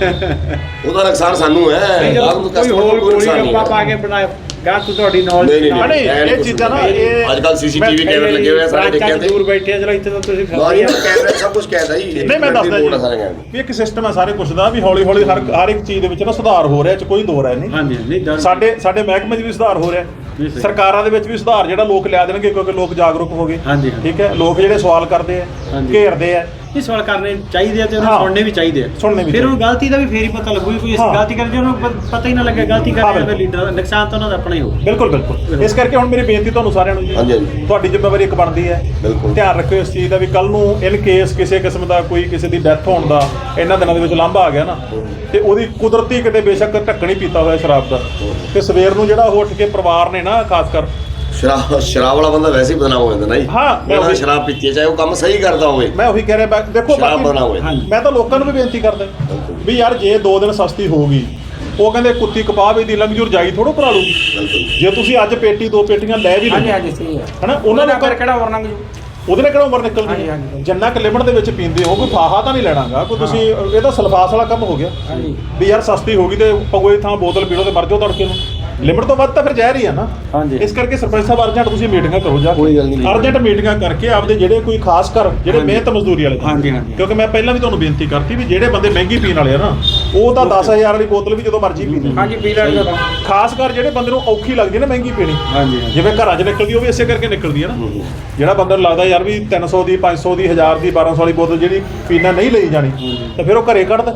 ਉਹਦਾ ਨੁਕਸਾਨ ਸਾਨੂੰ ਹੈ।
ਕੋਈ ਹੋਰ ਗੋਲੀ ਗੱਪਾ ਪਾ ਕੇ ਬਣਾਇਆ ਗਾਂ ਤੂੰ ਤੁਹਾਡੀ ਨੌਲੇਜ
ਨਹੀਂ
ਇਹ ਚੀਜ਼ਾਂ ਨਾ ਇਹ
ਅੱਜ ਕੱਲ ਸੀਸੀਟੀਵੀ ਕੈਮਰੇ ਲੱਗੇ ਹੋਏ ਆ ਸਾਰੇ ਦੇਖਿਆ ਤੇ
ਦੂਰ ਬੈਠੇ ਆ ਚਲੋ ਇੱਥੇ ਤਾਂ ਤੁਸੀਂ
ਕੈਮਰੇ ਸਭ ਕੁਝ ਕਹਿਦਾ ਜੀ।
ਨਹੀਂ ਮੈਂ ਦੱਸਦਾ ਜੀ ਵੀ ਇੱਕ ਸਿਸਟਮ ਹੈ ਸਾਰੇ ਕੁਝ ਦਾ ਵੀ ਹੌਲੀ ਹੌਲੀ ਹਰ ਇੱਕ ਚੀਜ਼ ਦੇ ਵਿੱਚ ਨਾ ਸੁਧਾਰ ਹੋ ਰਿਹਾ ਚ ਕੋਈ ਦੋ ਰਾਏ ਨਹੀਂ।
ਹਾਂਜੀ ਨਹੀਂ
ਸਾਡੇ ਮਹਿਕਮੇ 'ਚ ਵੀ ਸੁਧਾਰ ਹੋ ਰਿਹਾ ਸਰਕਾਰਾਂ ਦੇ ਵਿੱਚ ਵੀ ਸੁਧਾਰ ਜਿਹੜਾ ਲੋਕ ਲਿਆ ਦੇਣਗੇ ਕਿਉਂਕਿ ਲੋਕ ਜਾਗਰੂਕ ਹੋ ਗਏ। ਠੀਕ ਹੈ ਲੋਕ ਜਿਹੜੇ ਸਵਾਲ ਕਰਦੇ ਆ ਘੇਰਦੇ ਆ
ਇਹ ਸਵਾਲ ਕਰਨੇ ਚਾਹੀਦੇ ਆ ਤੇ ਉਹਨੂੰ ਸੁਣਨੇ ਵੀ ਚਾਹੀਦੇ ਆ ਫਿਰ ਉਹ ਗਲਤੀ ਦਾ ਵੀ ਫੇਰ ਹੀ ਪਤਾ ਲੱਗੂ ਕੋਈ ਇਸ ਗਲਤੀ ਕਰਕੇ ਉਹਨੂੰ ਪਤਾ ਹੀ ਨਾ ਲੱਗੇ ਗਲਤੀ ਕਰਕੇ ਫਿਰ ਲੀਡਰ ਨੁਕਸਾਨ ਤਾਂ ਉਹਨਾਂ ਦਾ ਆਪਣਾ ਹੀ ਹੋਊ।
ਬਿਲਕੁਲ ਇਸ ਕਰਕੇ ਹੁਣ ਮੇਰੀ ਬੇਨਤੀ ਤੁਹਾਨੂੰ ਸਾਰਿਆਂ ਨੂੰ ਜੀ ਤੁਹਾਡੀ ਜ਼ਿੰਮੇਵਾਰੀ ਇੱਕ ਬਣਦੀ ਹੈ ਧਿਆਨ ਰੱਖਿਓ ਇਸ ਚੀਜ਼ ਦਾ ਵੀ ਕੱਲ ਨੂੰ ਇਨ ਕੇਸ ਕਿਸੇ ਕਿਸਮ ਦਾ ਕੋਈ ਕਿਸੇ ਦੀ ਡੈਥ ਹੋਣ ਦਾ ਇਹਨਾਂ ਦਿਨਾਂ ਦੇ ਵਿੱਚ ਲਾਂਭਾ ਆ ਗਿਆ ਨਾ ਤੇ ਉਹਦੀ ਕੁਦਰਤੀ ਕਿਤੇ ਬੇਸ਼ੱਕ ਢੱਕਣੀ ਪੀਤਾ ਹੋਇਆ ਸ਼ਰਾਬ ਦਾ ਤੇ ਸਵੇਰ ਨੂੰ ਜਿਹੜਾ ਉਹ ਉੱਠ ਕੇ ਪਰਿਵਾਰ ਨੇ ਨਾ ਖਾਸ ਕਰ
ਸ਼ਰਾਬ ਵਾਲਾ ਬੰਦਾ ਵੈਸੇ ਹੀ ਬਦਨਾਮ ਹੋ ਜਾਂਦਾ ਨਾ ਜੀ। ਮੈਂ ਸ਼ਰਾਬ ਪੀਤੀ ਹੈ ਚਾਹੇ ਉਹ ਕੰਮ ਸਹੀ ਕਰਦਾ ਹੋਵੇ
ਮੈਂ ਉਹੀ ਕਹਿ ਰਿਹਾ ਦੇਖੋ ਮੈਂ ਤਾਂ ਲੋਕਾਂ ਨੂੰ ਵੀ ਬੇਨਤੀ ਕਰਦਾ ਵੀ ਯਾਰ ਜੇ 2 ਦਿਨ ਸਸਤੀ ਹੋਊਗੀ ਉਹ ਕਹਿੰਦੇ ਕੁੱਤੀ ਕਪਾਹ ਵੀ ਦੀ ਲੰਗਜੂਰ ਜਾਈ ਥੋੜੋ ਕਰਾ ਲੂਗੀ ਜੇ ਤੁਸੀਂ ਅੱਜ ਪੇਟੀ 2 ਪੇਟੀਆਂ ਲੈ ਵੀ ਲਓ ਹਨਾ ਉਹਨਾਂ ਨੂੰ
ਕਿਹੜਾ ਹੋਰ ਨੰਗ
ਉਹਦੇ ਨਾਲ ਕਿਹੜਾ ਉਮਰ ਨਿਕਲ ਗਈ ਜਿੰਨਾ ਕਿ ਲਿਮਟ ਦੇ ਵਿੱਚ ਪੀਂਦੇ ਹੋ ਕੋਈ ਫਾਹਾ ਤਾਂ ਨਹੀਂ ਲੈਣਾਗਾ ਕੋਈ ਤੁਸੀਂ ਇਹ ਤਾਂ ਸਲਫਾਸ ਵਾਲਾ ਕੰਮ ਹੋ ਗਿਆ ਵੀ ਯਾਰ ਸਸਤੀ ਹੋ ਗਈ ਤੇ ਪਗੋਏ ਥਾਂ ਬੋਤਲ ਪੀ ਲਓ ਤੇ ਮਰ ਜਾਓ ਤੜਕੇ ਨੂੰ ਲਿਮਟ ਤੋਂ ਵੱਧ ਤਾਂ ਫਿਰ ਜ਼ਹਿਰ ਹੀ ਆ ਨਾ। ਇਸ ਕਰਕੇ ਸਰਪੰਚ ਸਾਹਿਬ ਅਰਜੈਂਟ ਤੁਸੀਂ ਮੀਟਿੰਗਾਂ ਕਰੋ ਜਾ ਅਰਜੈਂਟ ਮੀਟਿੰਗਾਂ ਕਰਕੇ ਆਪਦੇ ਜਿਹੜੇ ਕੋਈ ਖਾਸ ਕਰ ਜਿਹੜੇ ਮਿਹਨਤ ਮਜ਼ਦੂਰੀ ਵਾਲੇ ਕਿਉਂਕਿ ਮੈਂ ਪਹਿਲਾਂ ਵੀ ਤੁਹਾਨੂੰ ਬੇਨਤੀ ਕਰਤੀ ਵੀ ਜਿਹੜੇ ਬੰਦੇ ਮਹਿੰਗੀ ਪੀਣ ਵਾਲੇ ਆ ਨਾ ਉਹ ਤਾਂ 10000 ਵਾਲੀ ਬੋਤਲ ਵੀ ਜਦੋਂ ਮਰਜ਼ੀ ਪੀ ਲੈਣ ਖਾਸ ਕਰ ਜਿਹੜੇ ਬੰਦੇ ਨੂੰ ਔਖੀ ਲੱਗਦੀ ਨਾ ਮਹਿੰਗੀ ਪੀਣੀ ਜਿਵੇਂ ਘਰਾਂ 'ਚ ਨਿਕਲਦੀ ਉਹ ਵੀ ਇਸੇ ਕਰਕੇ ਨਿਕਲਦੀ ਹੈ ਨਾ ਜਿਹੜਾ ਬੰਦੇ ਨੂੰ ਲੱਗਦਾ ਯਾਰ ਵੀ 300 ਦੀ 500 ਦੀ 1000 ਦੀ 1200 ਵਾਲੀ ਬੋਤਲ ਜਿਹੜੀ ਪੀਣਾ ਨਹੀਂ ਲਈ ਜਾਣੀ ਤਾਂ ਫਿਰ ਉਹ ਘਰੇ ਕੱਢਦਾ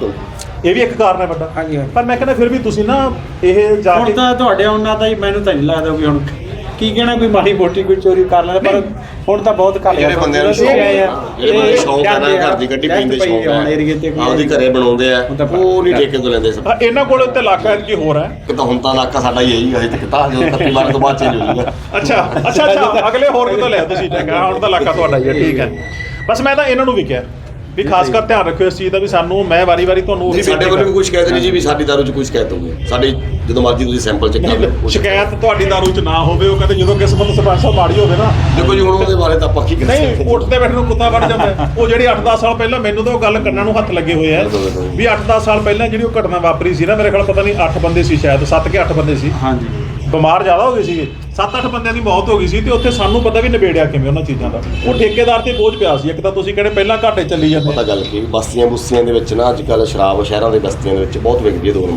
ਇਹ ਵੀ ਇੱਕ ਕਾਰਨ ਹੈ ਵੱਡਾ ਪਰ ਮੈਂ ਕਹਿੰਦਾ ਫਿਰ ਵੀ ਤੁਸੀਂ ਨਾ ਇਹ ਜਾ ਕੇ
ਹੁਣ ਤਾਂ ਤੁਹਾਡੇ ਉਹਨਾਂ ਦਾ ਹੀ ਮੈਨੂੰ ਤਾਂ ਨਹੀਂ ਲੱਗਦਾ ਵੀ ਹੁਣ ਕੀ ਕਹਿਣਾ ਕੋਈ ਮਾੜੀ ਮੋਟੀ ਕੋਈ ਚੋਰੀ ਕਰ ਲੈਂਦਾ ਪਰ ਹੁਣ ਤਾਂ ਬਹੁਤ ਘੱਟ
ਜਿਹੜੇ ਬੰਦੇ ਨੂੰ ਸ਼ੌਂਕ ਆ ਨਾ ਘਰ ਦੀ ਗੱਡੀ ਪੀਣ ਦੇ ਸ਼ੌਂਕ ਆ ਆਪਦੀ ਘਰੇ ਬਣਾਉਂਦੇ ਆ ਉਹ ਨਹੀਂ ਠੇਕੇ ਤੋਂ ਲੈਂਦੇ ਸਭ
ਇਹਨਾਂ ਕੋਲ ਤੇ ਇਲਾਕਾ ਕੀ ਹੋਰ ਹੈ
ਕਿ ਤਾਂ ਹੁਣ ਤਾਂ ਇਲਾਕਾ ਸਾਡਾ ਹੀ ਹੈ ਜੀ ਹਜੇ ਤੱਕ ਤਾਂ ਜਦੋਂ 31 ਮਾਰਚ ਤੋਂ ਬਾਅਦ ਚੇਂਜ ਹੋ ਜਾਊਗਾ।
ਅੱਛਾ ਅਗਲੇ ਹੋਰ ਕਿਤੋਂ ਲਿਆ ਤੁਸੀਂ ਚੰਗਾ ਹੁਣ ਤਾਂ ਇਲਾਕਾ ਤੁਹਾਡਾ ਹੀ ਹੈ ਠੀਕ ਹੈ ਬਸ ਮੈਂ ਤਾਂ ਇਹਨਾਂ ਨੂੰ ਵੀ ਕਿਹਾ ਵੀ ਖਾਸ ਕਰ ਧਿਆਨ ਰੱਖਿਓ ਇਸ ਚੀਜ਼ ਦਾ ਵੀ ਸਾਨੂੰ ਮੈਂ ਵਾਰੀ ਤੁਹਾਨੂੰ ਉਹੀ
ਸਾਡੇ ਵੱਲੋਂ ਵੀ ਕੋਈ ਸ਼ਿਕਾਇਤ ਨਹੀਂ ਜੀ ਵੀ ਸਾਡੀ ਦਾਰੂ 'ਚ ਕੋਈ ਸ਼ਿਕਾਇਤ ਹੋਊਗੀ ਸਾਡੀ ਜਦੋਂ ਮਰਜ਼ੀ ਤੁਸੀਂ ਸੈਂਪਲ ਚੈੱਕ ਕਰ ਲਓ
ਸ਼ਿਕਾਇਤ ਤੁਹਾਡੀ ਦਾਰੂ 'ਚ ਨਾ ਹੋਵੇ ਉਹ ਕਹਿੰਦੇ ਜਦੋਂ ਕਿਸਮਤ ਸਰਪੰਚ ਸਾਹਿਬ ਮਾੜੀ ਹੋਵੇ ਨਾ
ਦੇਖੋ ਜੀ ਹੁਣ ਉਹਦੇ ਬਾਰੇ ਤਾਂ ਆਪਾਂ ਕੀ ਕਰ ਸਕਦੇ
ਨਹੀਂ ਉੱਠਦੇ ਬੈਠੇ ਨੂੰ ਕੁੱਤਾ ਵੜ ਜਾਂਦਾ ਉਹ ਜਿਹੜੀ 8-10 ਸਾਲ ਪਹਿਲਾਂ ਮੈਨੂੰ ਤਾਂ ਉਹ ਗੱਲ ਕੰਨਾਂ ਨੂੰ ਹੱਥ ਲੱਗੇ ਹੋਏ ਆ ਵੀ 8-10 ਸਾਲ ਪਹਿਲਾਂ ਜਿਹੜੀ ਉਹ ਘਟਨਾ ਵਾਪਰੀ ਸੀ ਨਾ ਮੇਰੇ ਖਿਆਲ ਪਤਾ ਨਹੀਂ 8 ਬੰਦੇ ਸੀ ਸ਼ਾਇਦ 7 ਕਿ 8 ਬੰਦੇ ਸੀ ਬਿਮਾਰ ਜ਼ਿਆਦਾ ਹੋ ਗਏ ਸੀਗੇ 7-8 ਬੰਦਿਆਂ ਦੀ ਮੌਤ ਹੋ ਗਈ ਸੀ ਤੇ ਉੱਥੇ ਸਾਨੂੰ ਪਤਾ ਵੀ ਨਿਬੇੜਿਆ ਕਿਵੇਂ ਉਹਨਾਂ ਚੀਜ਼ਾਂ ਦਾ ਉਹ ਠੇਕੇਦਾਰ ਤੇ ਬੋਝ ਪਿਆ ਸੀ ਇੱਕ ਤਾਂ ਤੁਸੀਂ ਕਹਿੰਦੇ ਪਹਿਲਾਂ ਘਾਟੇ ਚੱਲੀ ਜਾਂਦੇ
ਪਤਾ ਗੱਲ ਕੀ ਬਸਤੀਆਂ ਦੇ ਵਿੱਚ ਨਾ ਅੱਜ ਕੱਲ੍ਹ ਸ਼ਰਾਬ ਸ਼ਹਿਰਾਂ ਦੇ ਬਸਤੀਆਂ ਦੇ ਵਿੱਚ ਬਹੁਤ ਵਿਕਦੀ ਹੈ 2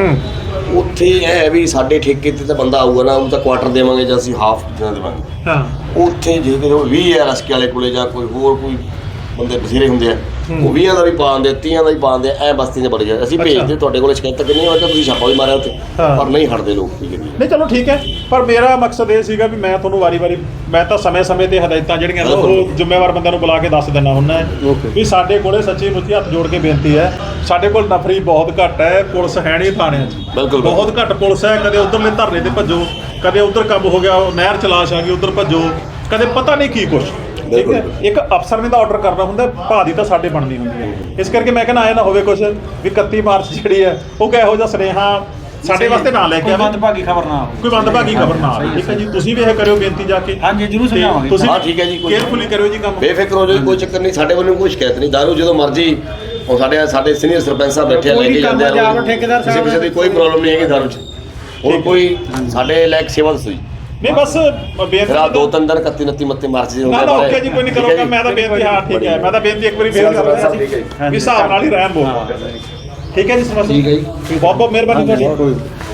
ਨੰਬਰ ਉੱਥੇ ਇਹ ਹੈ ਵੀ ਸਾਡੇ ਠੇਕੇ ਤੇ ਤਾਂ ਬੰਦਾ ਆਊਗਾ ਨਾ ਉਹਨੂੰ ਤਾਂ ਕੁਆਟਰ ਦੇਵਾਂਗੇ ਜਾਂ ਅਸੀਂ ਹਾਫ ਦਿਨਾਂ ਦੇਵਾਂਗੇ ਉੱਥੇ ਜੇ ਕੋਈ 20 ਹੈ ਰਸਕੇ ਵਾਲੇ ਕੋਲੇ ਜਾਂ ਕੋਈ ਹੋਰ ਕੋਈ ਬੰਦੇ ਬਥੇਰੇ ਹੁੰਦੇ ਆ ਉਹ 20 ਦਾ ਵੀ ਪਾਉਂਦੇ 30 ਦਾ ਵੀ ਪਾਉਂਦੇ ਐ ਬਸਤੀ 'ਚ ਬੜ ਗਿਆ ਅਸੀਂ ਭੇਜਦੇ ਤੁਹਾਡੇ ਕੋਲ ਸ਼ਿਕਾਇਤ ਕਿੰਨੀ ਹੋਇਆ ਤਾਂ ਤੁਸੀਂ ਛਾਪਾ ਵੀ ਮਾਰਿਆ ਉੱਥੇ ਪਰ ਨਹੀਂ ਹਟਦੇ ਲੋਕ
ਨਹੀਂ ਚਲੋ ਠੀਕ ਹੈ ਪਰ ਮੇਰਾ ਮਕਸਦ ਇਹ ਸੀਗਾ ਵੀ ਮੈਂ ਤੁਹਾਨੂੰ ਵਾਰੀ ਮੈਂ ਤਾਂ ਸਮੇਂ ਤੇ ਹਦਾਇਤਾਂ ਜਿਹੜੀਆਂ ਨੇ ਉਹ ਜ਼ਿੰਮੇਵਾਰ ਬੰਦਿਆਂ ਨੂੰ ਬੁਲਾ ਕੇ ਦੱਸ ਦਿੰਦਾ ਹੁੰਦਾ ਵੀ ਸਾਡੇ ਕੋਲੇ ਸੱਚੀ ਮੁੱਚੀ ਹੱਥ ਜੋੜ ਕੇ ਬੇਨਤੀ ਹੈ ਸਾਡੇ ਕੋਲ ਨਫਰੀ ਬਹੁਤ ਘੱਟ ਹੈ ਪੁਲਿਸ ਹੈ ਨਹੀਂ ਥਾਣਿਆਂ 'ਚ ਬਹੁਤ ਘੱਟ ਪੁਲਿਸ ਹੈ ਕਦੇ ਉਧਰਲੇ ਧਰਨੇ ਤੇ ਭੱਜੋ ਕਦੇ ਉਧਰ ਕੰਮ ਹੋ ਗਿਆ ਨਹਿਰ ਚਲਾਸ਼ ਆ ਗਈ ਉਧਰ ਭੱਜੋ ਕਦੇ ਪਤਾ ਨਹੀਂ ਕੀ ਕੁਛ ਠੀਕ ਹੈ ਇੱਕ ਅਫਸਰ ਨੇ ਤਾਂ ਆਰਡਰ ਕਰਨਾ ਹੁੰਦਾ ਭਾਅ ਦੀ ਤਾਂ ਸਾਡੇ ਬਣਨੀ ਹੁੰਦੀ ਹੈ ਇਸ ਕਰਕੇ ਮੈਂ ਕਹਿੰਦਾ ਆਇਆ ਨਾ ਹੋਵੇ ਕੁਛ ਵੀ 31 ਮਾਰਚ ਜਿਹੜੀ ਹੈ ਉਹ ਕਿਹੋ ਜਿਹਾ ਸੁਨੇਹਾ ਸਾਡੇ ਵਾਸਤੇ ਨਾ ਲੈ ਕੇ ਆਵੇ
ਮੰਦਭਾਗੀ ਖਬਰ ਨਾ
ਕੋਈ ਮੰਦਭਾਗੀ ਖਬਰ ਨਾ ਆਵੇ ਠੀਕ ਹੈ ਜੀ ਤੁਸੀਂ ਵੀ ਇਹ ਕਰਿਓ ਬੇਨਤੀ ਜਾ ਕੇ
ਹਾਂਜੀ ਜਰੂਰ ਸਮਝਾਵਾਂਗੇ
ਤੁਸੀਂ
ਠੀਕ ਹੈ ਜੀ
ਕੇਅਰਫੁਲੀ ਕਰਿਓ ਜੀ ਕੰਮ
ਬੇਫਿਕਰ ਹੋ ਜਾਓ ਕੋਈ ਚੱਕਰ ਨਹੀਂ ਸਾਡੇ ਵੱਲੋਂ ਕੋਈ ਸ਼ਿਕਾਇਤ ਨਹੀਂ ਦਾਰੂ ਜਦੋਂ ਮਰਜ਼ੀ ਉਹ ਸਾਡੇ ਸੀਨੀਅਰ ਸਰਪੰਚ ਸਾਹਿਬ ਬੈਠੇ ਲੈ ਕੇ ਜਾਂਦੇ ਆ ਕਿਸੇ ਦੀ ਕੋਈ ਪ੍ਰੋਬਲਮ ਨਹੀਂ ਹੈਗੀ ਦਾਰੂ 'ਚ ਹੋਰ ਕੋਈ ਸਾਡੇ ਲਾਇਕ ਸੇਵਾ ਦੱਸੋ ਜੀ
ਨਹੀਂ ਬਸ ਬੇਨਤੀ
2-3 ਦਿਨ 31-29 ਮਾਰਚ ਦੀ
ਨਾ ਓਕੇ ਜੀ ਕੋਈ ਨਹੀਂ ਕਰੋਗਾ ਮੈਂ ਤਾਂ ਬੇਨਤੀ ਹਾਂ ਠੀਕ ਹੈ ਮੈਂ ਤਾਂ ਬੇਨਤੀ ਇੱਕ ਵਾਰੀ ਫੇਰ ਕਰ ਰਿਹਾ ਸੀ ਵੀ ਹਿਸਾਬ ਨਾਲ ਹੀ ਰਹਿਮ ਬੋਲ ਠੀਕ ਹੈ ਜੀ ਸਮਝ ਠੀਕ ਹੈ ਜੀ ਬਹੁਤ ਮਿਹਰਬਾਨੀ ਤੁਹਾਡੀ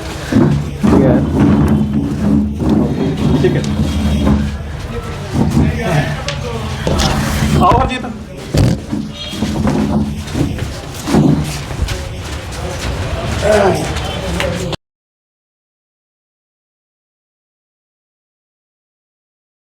ਠੀਕ ਹੈ ਆਓ ਹਰਜੀਤ